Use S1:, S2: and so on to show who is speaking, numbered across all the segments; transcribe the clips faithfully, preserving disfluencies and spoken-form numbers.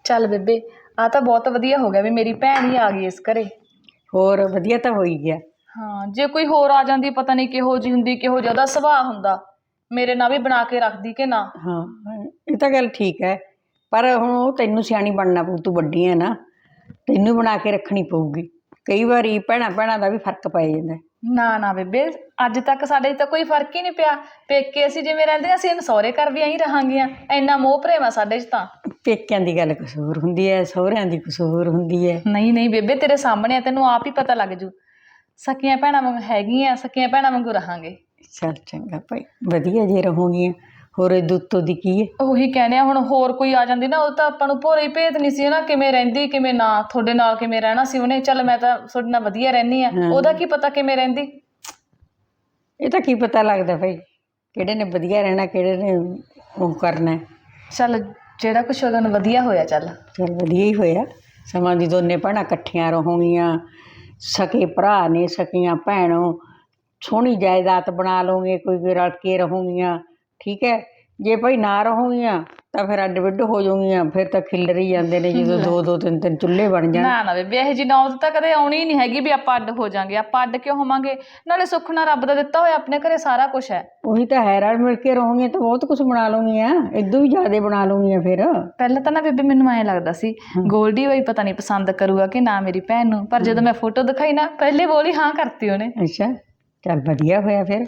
S1: ਚੱਲ ਬੇਬੇ ਆ ਤਾਂ ਬਹੁਤ ਵਧੀਆ ਹੋ ਗਿਆ ਵੀ ਮੇਰੀ ਭੈਣ ਹੀ ਆ ਗਈ ਇਸ ਘਰੇ।
S2: ਹੋਰ ਵਧੀਆ ਤਾਂ ਹੋ ਹੀ ਗਿਆ।
S1: ਹਾਂ ਜੇ ਕੋਈ ਹੋਰ ਆ ਜਾਂਦੀ ਪਤਾ ਨਹੀਂ ਕਿਹੋ ਜਿਹੀ ਹੁੰਦੀ, ਕਿਹੋ ਜਿਹਾ ਉਹਦਾ ਸੁਭਾਅ ਹੁੰਦਾ, ਮੇਰੇ ਨਾਲ ਵੀ ਬਣਾ ਕੇ ਰੱਖਦੀ ਕਿ ਨਾ।
S2: ਹਾਂ ਇਹ ਤਾਂ ਗੱਲ ਠੀਕ ਹੈ, ਪਰ ਹੁਣ ਉਹ ਤੈਨੂੰ ਸਿਆਣੀ ਬਣਨਾ ਪਊ, ਤੂੰ ਵੱਡੀ ਹੈ ਨਾ, ਤੈਨੂੰ ਬਣਾ ਕੇ ਰੱਖਣੀ ਪਊਗੀ। ਕਈ ਵਾਰੀ ਭੈਣਾਂ ਭੈਣਾਂ ਦਾ ਵੀ ਫਰਕ ਪੈ ਜਾਂਦਾ।
S1: ਨਾ ਨਾ ਬੇਬੇ ਅੱਜ ਤੱਕ ਸਾਡੇ 'ਚ ਤਾਂ ਕੋਈ ਫਰਕ ਹੀ ਨਹੀਂ ਪਿਆ। ਪੇਕੇ ਅਸੀਂ ਜਿਵੇਂ ਰਹਿੰਦੇ ਹਾਂ, ਅਸੀਂ ਇਹਨੂੰ ਸਹੁਰੇ ਘਰ ਵੀ ਐਂ ਰਹਾਂਗੀਆਂ। ਇੰਨਾ ਮੋਹ ਪ੍ਰੇਮ ਆ ਸਾਡੇ 'ਚ ਤਾਂ।
S2: ਪੇਕਿਆਂ ਦੀ ਗੱਲ ਕੁਛ ਹੋਰ ਹੁੰਦੀ ਹੈ, ਸਹੁਰਿਆਂ ਦੀ ਕੁਛ ਹੋਰ ਹੁੰਦੀ ਹੈ।
S1: ਨਹੀਂ ਨਹੀਂ ਬੇਬੇ ਤੇਰੇ ਸਾਹਮਣੇ ਆ, ਤੈਨੂੰ ਆਪ ਹੀ ਪਤਾ ਲੱਗ ਜੂ। ਸਕੀਆਂ ਭੈਣਾਂ ਵਾਂਗ ਹੈਗੀਆਂ, ਸਕੀਆਂ ਭੈਣਾਂ ਵਾਂਗੂ ਰਹਾਂਗੇ।
S2: ਚੱਲ ਚੰਗਾ ਭਾਈ, ਵਧੀਆ ਜੇ ਰਹੋਗੀਆਂ। ਹੋਰ ਇਹਦੇ ਉੱਤੋਂ ਦੀ ਕੀ ਹੈ।
S1: ਉਹੀ ਕਹਿੰਦੇ ਆ, ਹੁਣ ਹੋਰ ਕੋਈ ਆ ਜਾਂਦੀ ਨਾ, ਉਹ ਤਾਂ ਆਪਾਂ ਨੂੰ ਭੋਰੇ ਹੀ ਭੇਤ ਨਹੀਂ ਸੀ ਨਾ, ਕਿਵੇਂ ਰਹਿੰਦੀ ਕਿਵੇਂ ਨਾ, ਤੁਹਾਡੇ ਨਾਲ ਕਿਵੇਂ ਰਹਿਣਾ ਸੀ ਉਹਨੇ। ਚੱਲ ਮੈਂ ਤਾਂ ਤੁਹਾਡੇ ਨਾਲ ਵਧੀਆ ਰਹਿੰਦੀ ਆ, ਉਹਦਾ ਕੀ ਪਤਾ ਕਿਵੇਂ ਰਹਿੰਦੀ।
S2: ਇਹ ਤਾਂ ਕੀ ਪਤਾ ਲੱਗਦਾ ਭਾਈ, ਕਿਹੜੇ ਨੇ ਵਧੀਆ ਰਹਿਣਾ, ਕਿਹੜੇ ਨੇ ਉਹ ਕਰਨਾ।
S1: ਚੱਲ ਜਿਹੜਾ ਕੁਛ ਉਹਦਾ ਵਧੀਆ ਹੋਇਆ। ਚੱਲ
S2: ਚੱਲ ਵਧੀਆ ਹੀ ਹੋਇਆ। ਸਮਾਂ ਦੀ ਦੋਨੇ ਭੈਣਾਂ ਇਕੱਠੀਆਂ ਰਹੋਗੀਆਂ, ਸਕੇ ਭਰਾ ਨੇ, ਸਕੀਆਂ ਭੈਣੋਂ, ਸੋਹਣੀ ਜਾਇਦਾਦ ਬਣਾ ਲਓਗੇ, ਕੋਈ ਰਲ ਕੇ ਰਹੋਗੀਆਂ। ਠੀਕ ਹੈ, ਜੇ ਭਾਈ ਨਾ ਰਹੋਗੀਆਂ ਤਾਂ ਫਿਰ ਅੱਡ ਵਿੱਡ ਹੋ ਜਾਊਗੀਆਂ, ਫਿਰ ਤਾਂ ਖਿੱਲਰ ਹੀ ਜਾਂਦੇ ਨੇ ਜਦੋਂ ਦੋ ਦੋ ਤਿੰਨ ਤਿੰਨ ਚੁੱਲ੍ਹੇ ਬਣ ਜਾਣ।
S1: ਨਾ ਨਾ ਬੇਬੇ ਇਹੋ ਜਿਹੀ ਨੌਬਤ ਤਾਂ ਕਦੇ ਆਉਣੀ ਹੀ ਨਹੀਂ ਹੈਗੀ ਵੀ ਆਪਾਂ ਅੱਡ ਹੋ ਜਾਵਾਂਗੇ। ਆਪਾਂ ਅੱਡ ਕਿਉਂ ਹੋਵਾਂਗੇ, ਨਾਲੇ ਸੁੱਖ ਨਾਲ ਰੱਬ ਦਾ ਦਿੱਤਾ ਹੋਇਆ ਆਪਣੇ ਘਰੇ ਸਾਰਾ ਕੁਛ ਹੈ।
S2: ਉਹੀ ਤਾਂ ਹੈ, ਰਲ ਮਿਲ ਕੇ ਰਹੋਗੀਆਂ ਤਾਂ ਬਹੁਤ ਕੁਛ ਬਣਾ ਲਓਗੀਆਂ, ਇਦੋਂ ਵੀ ਜ਼ਿਆਦਾ ਬਣਾ ਲਓਗੀਆਂ ਫਿਰ।
S1: ਪਹਿਲਾਂ ਤਾਂ ਨਾ ਬੇਬੇ ਮੈਨੂੰ ਐਂ ਲੱਗਦਾ ਸੀ ਗੋਲਡੀ ਬਾਈ ਪਤਾ ਨਹੀਂ ਪਸੰਦ ਕਰੂਗਾ ਕਿ ਨਾ ਮੇਰੀ ਭੈਣ ਨੂੰ, ਪਰ ਜਦੋਂ ਮੈਂ ਫੋਟੋ ਦਿਖਾਈ ਨਾ ਪਹਿਲੇ ਬੋਲ ਹੀ ਹਾਂ ਕਰਤੀ ਉਹਨੇ।
S2: ਅੱਛਾ ਚੱਲ ਵਧੀਆ ਹੋਇਆ ਫਿਰ।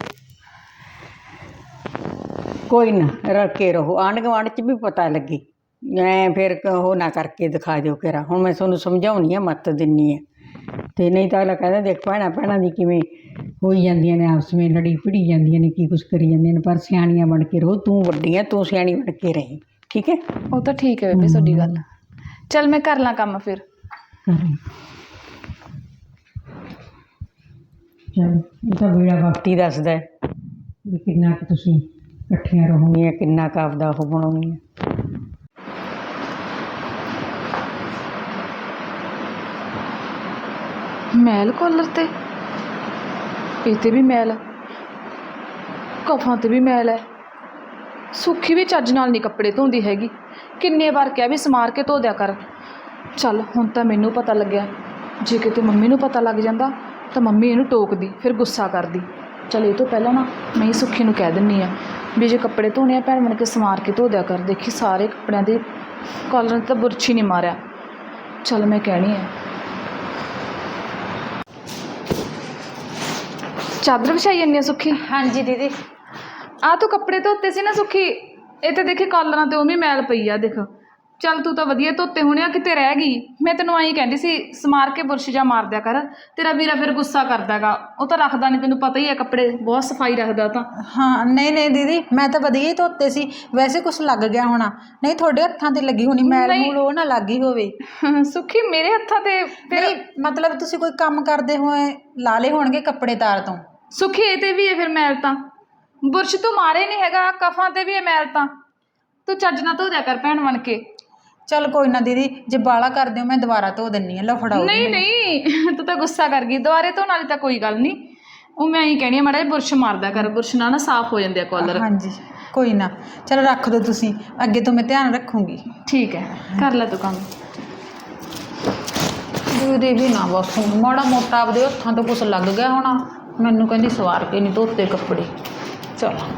S2: ਕੋਈ ਨਾ ਰਲ ਕੇ ਰਹੋ, ਆਂਢ ਗੁਆਂਢ 'ਚ ਵੀ ਪਤਾ ਲੱਗੇ, ਐਂ ਫਿਰ ਉਹ ਨਾ ਕਰਕੇ ਦਿਖਾ ਦਿਓ ਕਿਰਾ। ਹੁਣ ਮੈਂ ਤੁਹਾਨੂੰ ਸਮਝਾਉਣੀ ਆ, ਮੱਤ ਦਿੰਦੀ ਆ, ਅਤੇ ਨਹੀਂ ਤਾਂ ਅਗਲਾ ਕਹਿੰਦਾ ਦੇਖ ਭੈਣਾਂ ਭੈਣਾਂ ਦੀ ਕਿਵੇਂ ਹੋਈ ਜਾਂਦੀਆਂ ਨੇ, ਆਪਸ ਵਿੱਚ ਲੜੀ ਭਿੜੀ ਜਾਂਦੀਆਂ ਨੇ, ਕੀ ਕੁਛ ਕਰੀ ਜਾਂਦੀਆਂ ਨੇ। ਪਰ ਸਿਆਣੀਆਂ ਬਣ ਕੇ ਰਹੋ, ਤੂੰ ਵੱਡੀ ਆ, ਤੂੰ ਸਿਆਣੀ ਬਣ ਕੇ ਰਹੀ। ਠੀਕ ਹੈ,
S1: ਉਹ ਤਾਂ ਠੀਕ ਹੈ ਬੇਬੇ ਤੁਹਾਡੀ ਗੱਲ। ਚੱਲ ਮੈਂ ਕਰ ਲਾਂ ਕੰਮ ਫਿਰ।
S2: ਚਲ ਇਹ ਤਾਂ ਵੇਲਾ ਵਕਤ ਹੀ ਦੱਸਦਾ ਵੀ ਕਿੰਨਾ ਕੁ ਤੁਸੀਂ ਇਕੱਠੀਆਂ ਰਹੋਗੀਆਂ, ਕਿੰਨਾ ਕੁ ਆਪਦਾ ਉਹ ਬਣਾਉਣਗੀਆਂ।
S1: ਮੈਲ ਕਾਲਰ ਤੇ, ਇਹ ਤੇ ਵੀ ਮੈਲ, ਕਫਾਂ ਤੇ ਵੀ ਮੈਲ ਹੈ। ਸੁੱਖੀ ਵੀ ਚੱਜ ਨਾਲ ਨਹੀਂ ਕੱਪੜੇ ਧੋਂਦੀ ਹੈਗੀ, ਕਿੰਨੇ ਵਾਰ ਕਿਹਾ ਵੀ ਸਮਾਰ ਕੇ ਧੋ ਦਿਆ ਕਰ। ਚੱਲ ਹੁਣ ਤਾਂ ਮੈਨੂੰ ਪਤਾ ਲੱਗਿਆ, ਜੇ ਕਿਤੇ ਮੰਮੀ ਨੂੰ ਪਤਾ ਲੱਗ ਜਾਂਦਾ ਤਾਂ ਮੰਮੀ ਇਹਨੂੰ ਟੋਕਦੀ, ਫਿਰ ਗੁੱਸਾ ਕਰਦੀ। ਚੱਲ ਇਹ ਤੋਂ ਪਹਿਲਾਂ ਨਾ ਮੈਂ ਹੀ ਸੁੱਖੀ ਨੂੰ ਕਹਿ ਦਿੰਦੀ ਹਾਂ ਵੀ ਜੇ ਕੱਪੜੇ ਧੋਣੇ ਆ ਭੈਣ ਬਣ ਕੇ ਸਮਾਰ ਕੇ ਧੋ ਦਿਆ ਕਰ। ਦੇਖੀ ਸਾਰੇ ਕੱਪੜਿਆਂ ਦੇ ਕਾਲਰਾਂ 'ਤੇ ਤਾਂ ਬੁਰਛ ਹੀ ਨਹੀਂ ਮਾਰਿਆ। ਚੱਲ ਮੈਂ ਕਹਿਣੀ ਹੈ। ਚਾਦਰ ਵਿਛਾਈ ਜਾਂਦੀ ਆ ਸੁੱਖੀ?
S3: ਹਾਂਜੀ ਦੀਦੀ।
S1: ਆ ਤੂੰ ਕੱਪੜੇ ਧੋਤੇ ਸੀ ਨਾ ਸੁੱਖੀ, ਇਹ ਤਾਂ ਦੇਖੀ ਕਾਲਰਾਂ 'ਤੇ ਉਵੇਂ ਮੈਲ ਪਈ ਆ। ਦੇਖ ਚੱਲ ਤੂੰ ਤਾਂ ਵਧੀਆ ਧੋਤੇ ਹੋਣੇ ਆ, ਕਿਤੇ ਰਹਿ ਗਈ। ਮੈਂ ਤੈਨੂੰ ਆਈ ਕਹਿੰਦੀ ਸੀ ਸਮਾਰ ਕੇ ਬੁਰਸ਼ ਜਾ ਮਾਰ ਦਿਆ ਕਰ, ਤੇਰਾ ਵੀਰਾ ਫਿਰ ਗੁੱਸਾ ਕਰਦਾ ਗਾ, ਉਹ ਤਾਂ ਰੱਖਦਾ ਨਹੀਂ, ਤੈਨੂੰ ਪਤਾ ਹੀ ਹੈ ਕੱਪੜੇ ਬਹੁਤ ਸਫਾਈ ਰੱਖਦਾ ਤਾਂ।
S3: ਹਾਂ ਨਹੀਂ ਨਹੀਂ ਦੀਦੀ, ਮੈਂ ਤਾਂ ਵਧੀਆ ਹੀ ਧੋਤੇ ਸੀ। ਵੈਸੇ ਕੁਛ ਲੱਗ ਗਿਆ ਹੋਣਾ, ਨਹੀਂ ਤੁਹਾਡੇ ਹੱਥਾਂ 'ਤੇ ਲੱਗੀ ਹੋਣੀ ਮੈਲ ਮੂਲ, ਉਹ ਨਾ ਲੱਗ ਗਈ ਹੋਵੇ।
S1: ਸੁੱਖੀ ਮੇਰੇ ਹੱਥਾਂ 'ਤੇ ਫਿਰ
S3: ਮਤਲਬ ਤੁਸੀਂ ਕੋਈ ਕੰਮ ਕਰਦੇ ਹੋਏ ਲਾ ਲਏ ਹੋਣਗੇ ਕੱਪੜੇ ਤਾਰ ਤੋਂ।
S1: ਸੁੱਖੀ ਇਹ 'ਤੇ ਵੀ ਹੈ ਫਿਰ ਮੈਲ ਤਾਂ, ਬੁਰਸ਼ ਤੂੰ ਮਾਰੇ ਨਹੀਂ ਹੈਗਾ, ਕਫਾਂ 'ਤੇ ਵੀ ਹੈ ਮੈਲ ਤਾਂ, ਤੂੰ ਚੱਜ ਨਾਲ ਧੋ ਦਿਆ ਕਰ ਭੈਣ ਬਣ ਕੇ।
S3: ਚੱਲ ਕੋਈ ਨਾ ਦੀਦੀ, ਜੇ ਬਾਲਾ ਕਰਦੇ ਹੋ ਮੈਂ ਦੁਬਾਰਾ ਧੋ ਦਿੰਦੀ ਹਾਂ, ਲਓ ਫੜਾਓ।
S1: ਨਹੀਂ ਨਹੀਂ ਤੂੰ ਤਾਂ ਗੁੱਸਾ ਕਰ ਗਈ, ਦੁਬਾਰੇ ਧੋਣ ਵਾਲੀ ਤਾਂ ਕੋਈ ਗੱਲ ਨਹੀਂ। ਉਹ ਮੈਂ ਇਹੀ ਕਹਿਣੀ ਆ ਮਾੜਾ ਜਿਹਾ ਬੁਰਸ਼ ਮਾਰਦਾ ਕਰ, ਬੁਰਸ਼ ਨਾਲ ਨਾ ਸਾਫ਼ ਹੋ ਜਾਂਦੇ ਆ ਕਾਲਰ।
S3: ਹਾਂਜੀ ਕੋਈ ਨਾ, ਚਲੋ ਰੱਖ ਦਿਓ ਤੁਸੀਂ, ਅੱਗੇ ਤੋਂ ਮੈਂ ਧਿਆਨ ਰੱਖੂੰਗੀ।
S1: ਠੀਕ ਹੈ ਕਰ ਲੈ ਤੂੰ ਕੰਮ।
S3: ਦੀਦੀ ਵੀ ਨਾ ਬਸ ਹੁਣ ਮਾੜਾ ਮੋਟਾ ਆਪਦੇ ਹੱਥਾਂ ਤੋਂ ਕੁਛ ਲੱਗ ਗਿਆ ਹੋਣਾ, ਮੈਨੂੰ ਕਹਿੰਦੀ ਸਵਾਰ ਕੇ ਨਹੀਂ ਧੋਤੇ ਕੱਪੜੇ। ਚਲੋ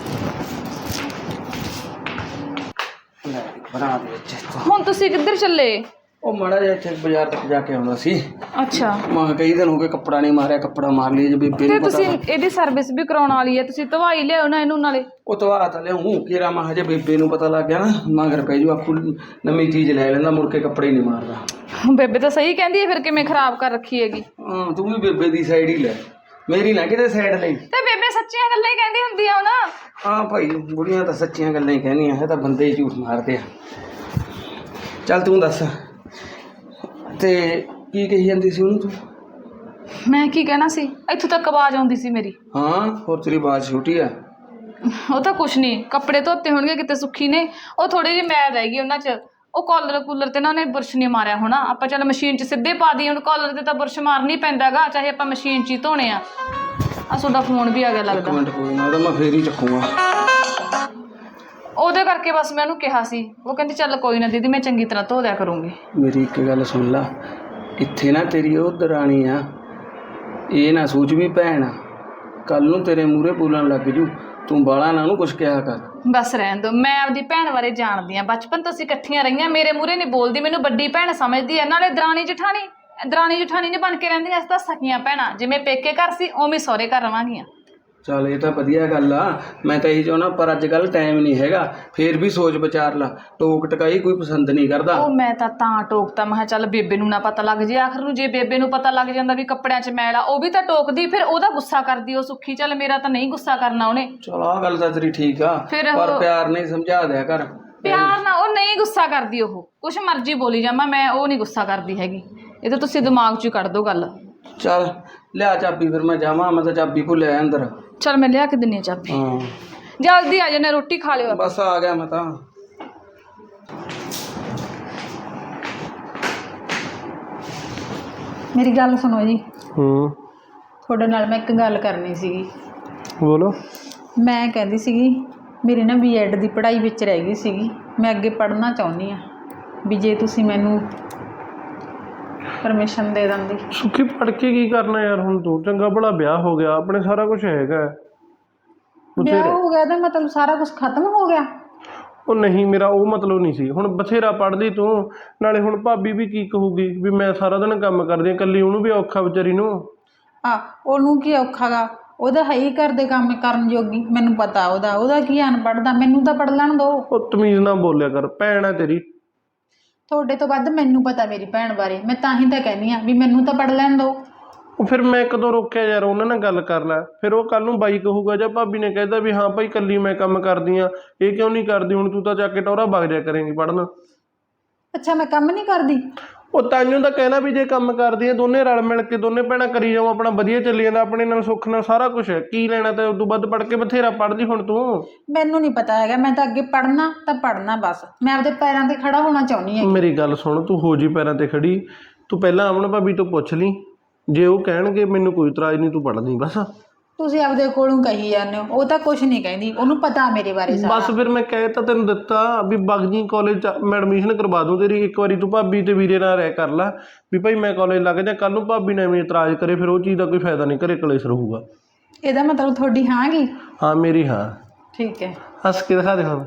S4: ਬਣਾ ਦੇ ਵਿੱਚ।
S1: ਹੁਣ ਤੁਸੀਂ ਕਿੱਧਰ ਚੱਲੇ?
S4: ਉਹ ਮਾੜਾ ਜਿਹਾ ਇੱਥੇ ਬਾਜ਼ਾਰ ਤੱਕ ਜਾ ਕੇ ਆਉਂਦਾ ਸੀ।
S1: ਅੱਛਾ
S4: ਮੈਂ ਕਈ ਦਿਨ ਹੋ ਗਏ ਕੱਪੜਾ ਨਹੀਂ ਮਾਰਿਆ, ਕੱਪੜਾ ਮਾਰ ਲਈ ਜੇ ਬੇਬੇ
S1: ਤੇ
S4: ਨੂੰ ਪਤਾ।
S1: ਤੁਸੀਂ ਇਹਦੀ ਸਰਵਿਸ ਵੀ ਕਰਾਉਣ ਵਾਲੀ ਹੈ, ਤੁਸੀਂ ਧਵਾਈ ਲਿਆਓ ਨਾ ਇਹਨੂੰ ਨਾਲੇ।
S4: ਉਹ ਧਵਾ ਤਾਂ ਲਿਆਉਂ ਕਿਰਾ, ਮੈਂ ਹਜੇ ਬੇਬੇ ਨੂੰ ਪਤਾ ਲੱਗ ਗਿਆ ਨਾ ਮਗਰ ਪੈ ਜੂ, ਆਖੂ ਨਵੀਂ ਚੀਜ਼ ਲੈ ਲੈਂਦਾ, ਮੁੜ ਕੇ ਕੱਪੜੇ ਨਹੀਂ ਮਾਰਦਾ।
S1: ਬੇਬੇ ਤਾਂ ਸਹੀ ਕਹਿੰਦੀ ਹੈ, ਫਿਰ ਕਿਵੇਂ ਖਰਾਬ ਕਰ ਰੱਖੀ ਹੈਗੀ।
S4: ਹਾਂ ਤੂੰ ਵੀ ਬੇਬੇ ਦੀ ਸਾਈਡ ਹੀ ਲੈ, ਮੇਰੀ ਨਾ ਕਿਤੇ ਸਾਈਡ ਲਈ।
S1: ਤੇ ਬੇਬੇ ਸੱਚੀਆਂ ਗੱਲਾਂ ਹੀ ਕਹਿੰਦੀ ਹੁੰਦੀ ਆ ਨਾ।
S4: ਹਾਂ ਭਾਈ ਬੁੜੀਆਂ ਤਾਂ ਸੱਚੀਆਂ ਗੱਲਾਂ ਹੀ ਕਹਿੰਦੀਆਂ, ਇਹ ਤਾਂ ਬੰਦੇ ਹੀ ਝੂਠ ਮਾਰਦੇ ਆ। ਚੱਲ ਤੂੰ ਦੱਸ, ਤੇ ਕੀ ਕਹੀ ਜਾਂਦੀ ਸੀ ਉਹਨੂੰ ਤੂੰ?
S1: ਮੈਂ ਕੀ ਕਹਿਣਾ ਸੀ, ਇੱਥੋਂ ਤੱਕ ਆਵਾਜ਼ ਆਉਂਦੀ ਸੀ ਮੇਰੀ।
S4: ਹਾਂ ਹੋਰ ਤੇਰੀ ਆਵਾਜ਼ ਛੋਟੀ ਆ।
S1: ਉਹ ਤਾਂ ਕੁਛ ਨਹੀਂ, ਕੱਪੜੇ ਧੋਤੇ ਹੋਣਗੇ ਕਿਤੇ ਸੁੱਖੀ ਨੇ, ਉਹ ਥੋੜੀ ਜਿਹੀ ਮੈਲ ਰਹਿ ਗਈ ਉਹਨਾਂ 'ਚ। ਉਹ ਕਾਲਰ ਕੂਲਰ 'ਤੇ ਨਾ ਉਹਨੇ ਬੁਰਸ਼ ਨਹੀਂ ਮਾਰਿਆ ਹੋਣਾ। ਆਪਾਂ ਚੱਲ ਮਸ਼ੀਨ 'ਚ ਸਿੱਧੇ ਪਾ ਦਈਏ, ਹੁਣ ਕਾਲਰ 'ਤੇ ਤਾਂ ਬੁਰਸ਼ ਮਾਰਨਾ ਹੀ ਪੈਂਦਾ ਗਾ, ਚਾਹੇ ਆਪਾਂ ਮਸ਼ੀਨ 'ਚ ਹੀ ਧੋਣੇ ਆ। ਆ ਤੁਹਾਡਾ ਫੋਨ ਵੀ ਆ ਗਿਆ ਲੱਗਦਾ।
S4: ਇੱਕ ਮਿੰਟ ਕੋਈ ਨਾ, ਉਹਦਾ ਮੈਂ ਫੇਰ ਹੀ ਚੱਕੂਗਾ।
S1: ਉਹਦੇ ਕਰਕੇ ਬਸ ਮੈਂ ਉਹਨੂੰ ਕਿਹਾ ਸੀ, ਉਹ ਕਹਿੰਦੀ ਚੱਲ ਕੋਈ ਨਾ ਦੀਦੀ ਮੈਂ ਚੰਗੀ ਤਰ੍ਹਾਂ ਧੋ ਦਿਆ ਕਰੂੰਗੀ।
S4: ਮੇਰੀ ਇੱਕ ਗੱਲ ਸੁਣ ਲਾ, ਇੱਥੇ ਨਾ ਤੇਰੀ ਉਹ ਦਰਾਣੀ ਆ, ਇਹ ਨਾ ਸੋਚ ਵੀ ਭੈਣ ਆ, ਕੱਲ ਨੂੰ ਤੇਰੇ ਮੂਹਰੇ ਬੋਲਣ ਲੱਗ ਜੂ, ਤੂੰ ਬਾਲਾ ਨਾ ਉਹਨੂੰ ਕੁਛ ਕਿਹਾ ਕਰ।
S1: ਬਸ ਰਹਿਣ ਦੋ, ਮੈਂ ਆਪਦੀ ਭੈਣ ਬਾਰੇ ਜਾਣਦੀ ਆ, ਬਚਪਨ ਤੋਂ ਅਸੀਂ ਇਕੱਠੀਆਂ ਰਹੀਆਂ, ਮੇਰੇ ਮੂਹਰੇ ਨਹੀਂ ਬੋਲਦੀ, ਮੈਨੂੰ ਵੱਡੀ ਭੈਣ ਸਮਝਦੀ ਹੈ। ਨਾਲੇ ਦਰਾਣੀ ਜਠਾਣੀ ਦਰਾਣੀ ਜਠਾਣੀ ਨਹੀਂ ਬਣ ਕੇ ਰਹਿੰਦੀਆਂ, ਅਸੀਂ ਤਾਂ ਸਕੀਆਂ ਭੈਣਾਂ, ਜਿਵੇਂ ਪੇਕੇ ਘਰ ਸੀ ਉਵੇਂ ਸਹੁਰੇ ਘਰ ਰਵਾਂਗੀਆਂ।
S4: ਚੱਲ ਇਹ ਤਾਂ ਵਧੀਆ ਗੱਲ ਆ, ਮੈਂ ਤਾਂ ਇਹੀ ਚਾਹੁੰਦਾ, ਪਰ ਅੱਜ ਕੱਲ੍ਹ ਟਾਈਮ ਨਹੀਂ ਹੈਗਾ, ਫੇਰ ਵੀ ਸੋਚ ਵਿਚਾਰ ਲਾ, ਟੋਕ ਟਕਾਈ ਕੋਈ ਪਸੰਦ ਨਹੀਂ ਕਰਦਾ।
S1: ਉਹ ਮੈਂ ਤਾਂ ਤਾਂ ਟੋਕਤਾ, ਮੈਂ ਕਿਹਾ ਚੱਲ ਬੇਬੇ ਨੂੰ ਨਾ ਪਤਾ ਲੱਗ ਜੇ, ਆਖਰ ਨੂੰ ਜੇ ਬੇਬੇ ਨੂੰ ਪਤਾ ਲੱਗ ਜਾਂਦਾ ਵੀ ਕੱਪੜਿਆਂ 'ਚ ਮੈਲ ਆ, ਉਹ ਵੀ ਤਾਂ ਟੋਕਦੀ, ਫਿਰ ਉਹਦਾ ਗੁੱਸਾ ਕਰਦੀ ਉਹ ਸੁੱਖੀ। ਚੱਲ ਮੇਰਾ ਤਾਂ ਨਹੀਂ ਗੁੱਸਾ ਕਰਨਾ ਉਹਨੇ।
S4: ਚਲ ਆਹ ਗੱਲ ਤਾਂ ਤੇਰੀ ਠੀਕ ਆ,
S1: ਫਿਰ
S4: ਪਰ
S1: ਉਹ-
S4: ਪਿਆਰ ਨਹੀਂ ਸਮਝਾ ਦਿਆ ਕਰ।
S1: ਪਿਆਰ ਨਾਲ ਉਹ ਨਹੀਂ ਗੁੱਸਾ ਕਰਦੀ, ਉਹ ਕੁਛ ਮਰਜ਼ੀ ਬੋਲੀ ਜਾਵਾਂ, ਮੈਂ ਉਹ ਨਹੀਂ ਗੁੱਸਾ ਕਰਦੀ ਹੈਗੀ। ਇਹ ਤਾਂ ਤੁਸੀਂ ਦਿਮਾਗ 'ਚ ਹੀ ਕੱਢ ਦਿਓ ਗੱਲ।
S4: ਚੱਲ ਲਿਆ ਚਾਬੀ, ਫਿਰ ਮੈਂ ਜਾਵਾਂ, ਮੈਂ ਤਾਂ ਚਾਬੀ ਭੁੱਲਿਆ ਅੰਦਰ।
S1: ਚੱਲ ਮੈਂ ਲਿਆ ਕੇ ਦਿੰਨੀ ਆ ਚਾਬੀ,
S4: ਹਾਂ
S1: ਜਲਦੀ ਆ ਜਾਣਾ, ਰੋਟੀ ਖਾ ਲਿਓ।
S4: ਬਸ ਆ ਗਿਆ ਮੈਂ ਤਾਂ।
S3: ਮੇਰੀ ਗੱਲ ਸੁਣੋ ਜੀ,
S5: ਹੂੰ
S3: ਤੁਹਾਡੇ ਨਾਲ ਮੈਂ ਇੱਕ ਗੱਲ ਕਰਨੀ ਸੀਗੀ।
S5: ਬੋਲੋ।
S3: ਮੈਂ ਕਹਿੰਦੀ ਸੀਗੀ ਮੇਰੀ ਨਾ ਬੀਐਡ ਦੀ ਪੜ੍ਹਾਈ ਵਿੱਚ ਰਹਿ ਗਈ ਸੀਗੀ, ਮੈਂ ਅੱਗੇ ਪੜ੍ਹਨਾ ਚਾਹੁੰਦੀ ਹਾਂ, ਵੀ ਜੇ ਤੁਸੀਂ ਮੈਨੂੰ ਪਰਮਿਸ਼ਨ ਦੇ ਦਿੰਦੀ।
S5: ਸੁੱਖੀ ਪੜ ਕੇ ਕੀ ਕਰਨਾ ਯਾਰ, ਹੁਣ ਤੂੰ ਚੰਗਾ ਭਲਾ ਵਿਆਹ ਹੋ ਗਿਆ, ਆਪਣੇ ਸਾਰਾ ਕੁਝ ਹੈਗਾ।
S3: ਵਿਆਹ ਹੋ ਗਿਆ ਤਾਂ ਮਤਲਬ ਸਾਰਾ ਕੁਝ ਖਤਮ ਹੋ ਗਿਆ?
S5: ਉਹ ਨਹੀਂ, ਮੇਰਾ ਉਹ ਮਤਲਬ ਨਹੀਂ ਸੀ। ਹੁਣ ਬਥੇਰਾ ਪੜ੍ਹਦੀ ਤੂੰ, ਨਾਲੇ ਹੁਣ ਭਾਬੀ ਵੀ ਕੀ ਕਹੂਗੀ ਵੀ ਮੈਂ ਸਾਰਾ ਦਿਨ ਕੰਮ ਕਰਦੀ ਹਾਂ ਇਕੱਲੀ, ਉਹਨੂੰ ਵੀ ਔਖਾ ਵਿਚਾਰੀ ਨੂੰ।
S3: ਆ ਉਹਨੂੰ ਕੀ ਔਖਾ ਗਾ, ਉਹਦਾ ਹੈ ਹੀ ਘਰ ਦੇ ਕੰਮ ਕਰਨ ਜੋਗੀ, ਮੈਨੂੰ ਪਤਾ ਉਹਦਾ ਉਹਦਾ ਕੀ ਅਨਪੜ੍ਹ ਦਾ, ਮੈਨੂੰ ਤਾਂ ਪੜ੍ਹ ਲੈਣ ਦਿਓ।
S5: ਉਹ ਤਮੀਜ਼ ਨਾਲ ਬੋਲਿਆ ਕਰ, ਭੈਣ ਹੈ ਤੇਰੀ।
S3: ਤੁਹਾਡੇ ਤੋਂ ਵੱਧ ਮੈਨੂੰ ਪਤਾ ਮੇਰੀ ਭੈਣ ਬਾਰੇ, ਮੈਂ ਤਾਂ ਹੀ ਤਾਂ ਕਹਿੰਦੀ ਆ ਵੀ ਮੈਨੂੰ ਤਾਂ ਪੜ੍ਹ ਲੈਣ ਦਿਓ।
S5: ਉਹ ਫਿਰ ਮੈਂ ਕਦੋਂ ਰੋਕਿਆ ਯਾਰ, ਉਹਨਾਂ ਨਾਲ ਗੱਲ ਕਰ ਲੈ, ਫਿਰ ਉਹ ਕੱਲ ਨੂੰ ਬਾਈ ਕਹੂਗਾ ਜਾਂ ਭਾਬੀ ਨੇ ਕਹਿਦਾ ਵੀ ਹਾਂ ਭਾਈ ਇਕੱਲੀ ਮੈਂ ਕੰਮ ਕਰਦੀ ਹਾਂ, ਇਹ ਕਿਉਂ ਨਹੀਂ ਕਰਦੀ, ਹੁਣ ਤੂੰ ਤਾਂ ਜਾ ਕੇ ਟੌਰਾ ਵਗ ਜਾ ਕਰੇਂਗੀ ਪੜ੍ਹਨ।
S3: ਅੱਛਾ ਮੈਂ ਕੰਮ ਨਹੀਂ ਕਰਦੀ?
S5: ਉਹ ਤਾਈਓ ਤਾਂ ਕਹਿਣਾ ਵੀ ਜੇ ਕੰਮ ਕਰਦੀ ਆ ਦੋਨੇ ਰਲ ਮਿਲ ਕੇ ਦੋਨੇ ਭੈਣਾਂ ਕਰੀ ਜਾਓ, ਆਪਣਾ ਵਧੀਆ ਚੱਲੀ ਜਾਂਦਾ, ਆਪਣੇ ਨਾਲ ਸੁੱਖ ਨਾਲ ਸਾਰਾ ਕੁਝ ਹੈ, ਕੀ ਲੈਣਾ ਤੇ ਉਦੋਂ ਵੱਧ ਪੜ੍ਹ ਕੇ ਬਥੇਰਾ ਪੜ੍ਹਦੀ ਹੁਣ ਤੂੰ।
S3: ਮੈਨੂੰ ਨਹੀਂ ਪਤਾ ਹੈਗਾ, ਮੈਂ ਤਾਂ ਅੱਗੇ ਪੜ੍ਹਨਾ ਤਾਂ ਪੜ੍ਹਨਾ, ਬਸ ਮੈਂ ਆਪਦੇ ਪੈਰਾਂ 'ਤੇ ਖੜਾ ਹੋਣਾ ਚਾਹੁੰਦੀ ਹਾਂ।
S5: ਮੇਰੀ ਗੱਲ ਸੁਣ, ਤੂੰ ਹੋ ਜੀ ਪੈਰਾਂ ਤੇ ਖੜੀ, ਤੂੰ ਪਹਿਲਾਂ ਅਮਨ ਭਾਬੀ ਤੋਂ ਪੁੱਛ ਲਈ, ਜੇ ਉਹ ਕਹਿਣਗੇ ਮੈਨੂੰ ਕੋਈ ਇਤਰਾਜ਼ ਨਹੀਂ, ਤੂੰ ਪੜ੍ਹ ਲਈ ਬਸ।
S3: ਤੁਸੀਂ ਆਪਦੇ ਕੋਲੋਂ ਕਹੀ ਜਾਂਦੇ ਹੋ, ਉਹ ਤਾਂ ਕੁਝ ਨਹੀਂ ਕਹਿੰਦੀ, ਉਹਨੂੰ ਪਤਾ ਮੇਰੇ ਬਾਰੇ ਸਾਰਾ।
S5: ਬਸ ਫਿਰ ਮੈਂ ਕਹਿ ਤਾਂ ਤੈਨੂੰ ਦਿੱਤਾ ਵੀ ਬਗਜੀ ਕਾਲਜ ਮੈਂ ਐਡਮਿਸ਼ਨ ਕਰਵਾ ਦੂੰ ਤੇਰੀ, ਇੱਕ ਵਾਰੀ ਤੂੰ ਭਾਬੀ ਤੇ ਵੀਰੇ ਨਾਲ ਰਹਿ ਕਰ ਲੈ ਵੀ ਭਾਈ ਮੈਂ ਕਾਲਜ ਲੱਗ ਜਾ, ਕੱਲ ਨੂੰ ਭਾਬੀ ਨੇ ਐਵੇਂ ਇਤਰਾਜ਼ ਕਰੇ ਫਿਰ ਉਹ ਚੀਜ਼ ਦਾ ਕੋਈ ਫਾਇਦਾ ਨਹੀਂ, ਘਰੇ ਕਲੇਸ਼ ਰਹੂਗਾ।
S3: ਇਹਦਾ ਮਤਲਬ ਤੁਹਾਡੀ ਹਾਂ ਗੀ?
S5: ਹਾਂ ਮੇਰੀ ਹਾਂ।
S3: ਠੀਕ ਹੈ,
S5: ਹੱਸ ਕੇ ਦਿਖਾ ਦੇ ਹੁਣ।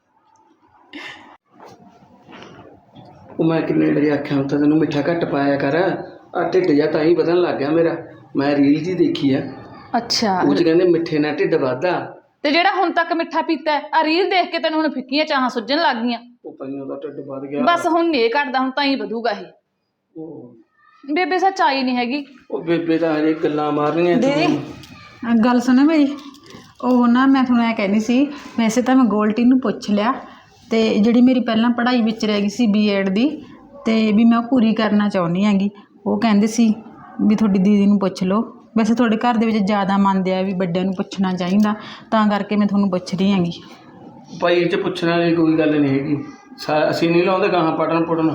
S4: ਉਹ ਮੈਂ ਕਿੰਨੇ ਵਾਰੀ ਆਖਿਆ ਹੁੰਦਾ ਤੈਨੂੰ ਮਿੱਠਾ ਘੱਟ ਪਾਇਆ ਕਰ, ਆ ਢਿੱਡ ਜਿਹਾ ਤਾਂ ਹੀ ਵਧਣ ਲੱਗ ਗਿਆ ਮੇਰਾ। ਮੈਂ ਰੀਲ ਜੀ ਦੇਖੀ ਆ,
S1: ਅੱਛਾ,
S4: ਉਹ 'ਚ ਕਹਿੰਦੇ ਮਿੱਠੇ ਨਾਲ ਢਿੱਡ ਵੱਧਦਾ।
S1: ਤੇ ਜਿਹੜਾ ਹੁਣ ਤੱਕ ਮਿੱਠਾ ਪੀਤਾ ਆ ਰੀਲ ਦੇਖ ਕੇ ਤੈਨੂੰ ਹੁਣ ਫਿੱਕੀਆਂ ਚਾਹਾਂ ਸੁੱਜਣ ਲੱਗ ਗਈਆਂ।
S4: ਉਹ ਤਾਈਓ ਦਾ ਢਿੱਡ ਵੱਧ ਗਿਆ।
S1: ਬਸ ਹੁਣ ਨਹੀਂ ਘਟਦਾ, ਹੁਣ ਤਾਂ ਹੀ ਵਧੂਗਾ ਇਹ।
S4: ਉਹ
S1: ਬੇਬੇ ਸੱਚਾਈ ਨਹੀਂ ਹੈਗੀ।
S4: ਉਹ ਬੇਬੇ ਤਾਂ ਹਜੇ ਗੱਲਾਂ ਮਾਰਨੀਆਂ
S3: ਦੇ
S4: ਤੂੰ।
S3: ਗੱਲ ਸੁਣੋ ਮੇਰੀ, ਉਹ ਨਾ ਮੈਂ ਤੁਹਾਨੂੰ ਇਹ ਕਹਿੰਦੀ ਸੀ, ਵੈਸੇ ਤਾਂ ਮੈਂ ਗੋਲਟੀ ਨੂੰ ਪੁੱਛ ਲਿਆ, ਤੇ ਜਿਹੜੀ ਮੇਰੀ ਪਹਿਲਾਂ ਪੜ੍ਹਾਈ ਵਿੱਚ ਰਹਿ ਗਈ ਸੀ ਬੀਐਡ ਦੀ, ਤੇ ਵੀ ਮੈਂ ਉਹ ਪੂਰੀ ਕਰਨਾ ਚਾਹੁੰਦੀ ਹੈਗੀ। ਉਹ ਕਹਿੰਦੇ ਸੀ ਵੀ ਤੁਹਾਡੀ ਦੀਦੀ ਨੂੰ ਪੁੱਛ ਲਓ, ਵੈਸੇ ਤੁਹਾਡੇ ਘਰ ਦੇ ਵਿੱਚ ਜ਼ਿਆਦਾ ਮੰਨਦੇ ਆ ਵੀ ਵੱਡਿਆਂ ਨੂੰ ਪੁੱਛਣਾ ਚਾਹੀਦਾ, ਤਾਂ ਕਰਕੇ ਮੈਂ ਤੁਹਾਨੂੰ ਪੁੱਛ ਰਹੀ ਹੈਗੀ।
S4: ਭਾਈ ਇਹ 'ਚ ਪੁੱਛਣ ਵਾਲੀ ਕੋਈ ਗੱਲ ਨਹੀਂ ਹੈਗੀ, ਸਾ ਅਸੀਂ ਨਹੀਂ ਲਾਉਂਦੇ ਗਾਹਾਂ ਪੜਨ ਪੁੜਨ,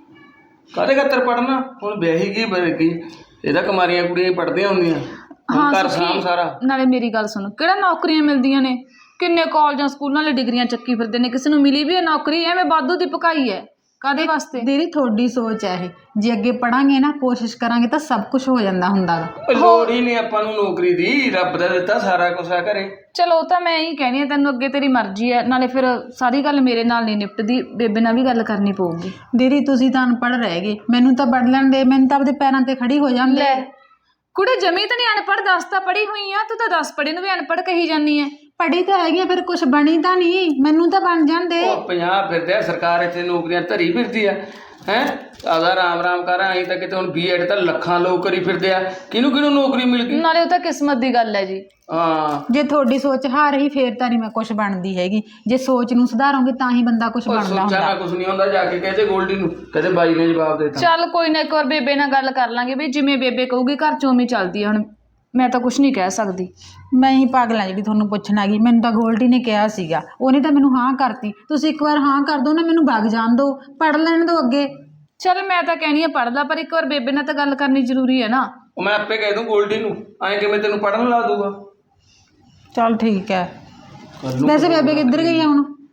S4: ਕਾਹਦੇ ਖਾਤਰ ਪੜਨਾ, ਹੁਣ ਵਿਆਹੀ ਗਈ ਬਰਗੀ, ਇਹਦਾ ਕੁਮਾਰੀਆਂ ਕੁੜੀਆਂ ਹੀ ਪੜ੍ਹਦੀਆਂ ਹੁੰਦੀਆਂ।
S1: ਹਾਂ
S4: ਘਰ ਸਾਂਭ
S1: ਸੁਖੀ,
S4: ਸਾਰਾ।
S1: ਨਾਲੇ ਮੇਰੀ ਗੱਲ ਸੁਣ, ਕਿਹੜਾ ਨੌਕਰੀਆਂ ਮਿਲਦੀਆਂ ਨੇ, ਕਿੰਨੇ ਕਾਲਜਾਂ ਸਕੂਲਾਂ ਵਾਲੇ ਡਿਗਰੀਆਂ ਚੱਕੀ ਫਿਰਦੇ ਨੇ, ਕਿਸੇ ਨੂੰ ਮਿਲੀ ਵੀ ਹੈ ਨੌਕਰੀ, ਐਵੇਂ ਵਾਧੂ ਦੀ ਪਕਾਈ ਹੈ, ਕਾਹਦੇ ਵਾਸਤੇ?
S3: ਦੀਦੀ ਤੁਹਾਡੀ ਸੋਚ ਹੈ ਇਹ, ਜੇ ਅੱਗੇ ਪੜਾਂਗੇ ਨਾ, ਕੋਸ਼ਿਸ਼ ਕਰਾਂਗੇ ਤਾਂ ਸਭ ਕੁਝ ਹੋ ਜਾਂਦਾ ਹੁੰਦਾ ਗਾ।
S4: ਉਹ ਲੋੜ ਹੀ ਨਹੀਂ ਆਪਾਂ ਨੂੰ ਨੌਕਰੀ ਦੀ, ਰੱਬ ਦਾ ਦਿੱਤਾ ਸਾਰਾ ਕੁਛ ਆ ਘਰੇ।
S1: ਚਲੋ ਉਹ ਤਾਂ ਮੈਂ ਹੀ ਕਹਿਣੀ ਆ, ਤੈਨੂੰ ਅੱਗੇ ਤੇਰੀ ਮਰਜ਼ੀ ਹੈ, ਨਾਲੇ ਫਿਰ ਸਾਰੀ ਗੱਲ ਮੇਰੇ ਨਾਲ ਨਹੀਂ ਨਿਪਟਦੀ, ਬੇਬੇ ਨਾਲ ਵੀ ਗੱਲ ਕਰਨੀ ਪਊਗੀ।
S3: ਦੀਦੀ ਤੁਸੀਂ ਤਾਂ ਅਨਪੜ੍ਹ ਰਹਿ ਗਏ, ਮੈਨੂੰ ਤਾਂ ਪੜ੍ਹ ਲੈਣ ਦੇ, ਮੈਨੂੰ ਤਾਂ ਆਪਦੇ ਪੈਰਾਂ 'ਤੇ ਖੜੀ ਹੋ ਜਾਂਦੇ।
S1: ਲੈ ਕੁੜੇ ਜਮੀ ਤਾਂ ਨਹੀਂ ਅਨਪੜ੍ਹ, ਦੱਸ ਤਾਂ ਪੜ੍ਹੀ ਹੋਈ ਆ, ਤੂੰ ਤਾਂ ਦਸ ਪੜ੍ਹੇ ਨੂੰ ਵੀ ਅਨਪੜ੍ਹ ਕਹੀ ਜਾਂਦੀ ਹੈ।
S3: ਪੜ੍ਹੀ ਤਾਂ ਹੈਗੀ ਆ, ਫਿਰ ਕੁਛ ਬਣੀ ਤਾਂ ਨਹੀਂ, ਮੈਨੂੰ ਤਾਂ ਬਣ ਜਾਂਦੇ।
S4: ਉਹ ਪੰਜਾਬ ਫਿਰਦੇ ਆ, ਸਰਕਾਰ ਇੱਥੇ ਨੌਕਰੀਆਂ ਧਰੀ ਫਿਰਦੀ ਆ, ਹੈਂ ਆਦਾ ਰਾਮ ਰਾਮ ਕਰ, ਅਸੀਂ ਤਾਂ ਕਿਤੇ ਹੁਣ ਬੀਐਡ ਤਾਂ ਲੱਖਾਂ ਲੋਕ ਕਰੀ ਫਿਰਦੇ ਆ, ਕਿਹਨੂੰ ਕਿਹਨੂੰ ਨੌਕਰੀ ਮਿਲ ਗਈ।
S1: ਨਾਲੇ ਉਹ ਤਾਂ ਕਿਸਮਤ ਦੀ ਗੱਲ ਹੈ ਜੀ।
S4: ਹਾਂ
S3: ਜੇ ਤੁਹਾਡੀ ਸੋਚ ਹਾਰ ਰਹੀ ਫੇਰ ਤਾਂ ਨਹੀਂ ਮੈਂ ਕੁਛ ਬਣਦੀ ਹੈਗੀ, ਜੇ ਸੋਚ ਨੂੰ ਸੁਧਾਰੋਗੇ ਤਾਂ ਹੀ ਬੰਦਾ ਕੁਛ
S4: ਉਹ
S3: ਬਣਦਾ
S4: ਸੋਚਾਂ
S3: ਹੁੰਦਾ।
S4: ਨਾਲ ਕੁਛ ਨਹੀਂ ਹੁੰਦਾ, ਜਾ ਕੇ ਕਹਦੇ ਗੋਲਡੀ ਨੂੰ, ਕਹਦੇ ਬਾਈ ਨੇ ਜਵਾਬ ਦੇ ਦਿੱਤਾ।
S1: ਚੱਲ ਕੋਈ ਨਾ, ਇੱਕ ਵਾਰ ਬੇਬੇ ਨਾਲ ਗੱਲ ਕਰ ਲਾਂਗੇ ਵੀ ਜਿਵੇਂ ਬੇਬੇ ਕਹੂਗੀ ਘਰ ਚੋਂ ਉਵੇਂ ਚੱਲਦੀ ਆ, ਹੁਣ ਮੈਂ ਤਾਂ ਕੁਛ ਨਹੀਂ ਕਹਿ ਸਕਦੀ।
S3: ਮੈਂ ਹੀ ਪਾਗਲ ਹਾਂ ਜਿਹੜੀ ਤੁਹਾਨੂੰ ਪੁੱਛਣ ਆ ਗਈ, ਮੈਨੂੰ ਤਾਂ ਗੋਲਡੀ ਨੇ ਕਿਹਾ ਸੀਗਾ, ਉਹਨੇ ਤਾਂ ਮੈਨੂੰ ਹਾਂ ਕਰਤੀ, ਤੁਸੀਂ ਇੱਕ ਵਾਰ ਹਾਂ ਕਰ ਦਿਓ ਨਾ, ਮੈਨੂੰ ਵਗ ਜਾਣ ਦਿਓ, ਪੜ੍ਹ ਲੈਣ ਦਿਓ ਅੱਗੇ।
S1: ਚੱਲ ਮੈਂ ਤਾਂ ਕਹਿਣੀ ਆ ਪੜ੍ਹ ਲਾ, ਪਰ ਇੱਕ ਵਾਰ ਬੇਬੇ ਨਾਲ ਤਾਂ ਗੱਲ ਕਰਨੀ ਜ਼ਰੂਰੀ ਹੈ ਨਾ।
S4: ਉਹ ਮੈਂ ਆਪੇ ਕਹਿ ਦੂੰ ਗੋਲਡੀ ਨੂੰ, ਐਂ ਕਿਵੇਂ ਤੈਨੂੰ ਪੜਨ ਲਾ ਦੂਗਾ।
S3: ਚੱਲ ਠੀਕ ਹੈ।
S4: ਕਰ ਲੂੰ।
S3: ਵੈਸੇ ਬੇਬੇ ਕਿੱਧਰ ਗਈ ਆ ਹੁਣ?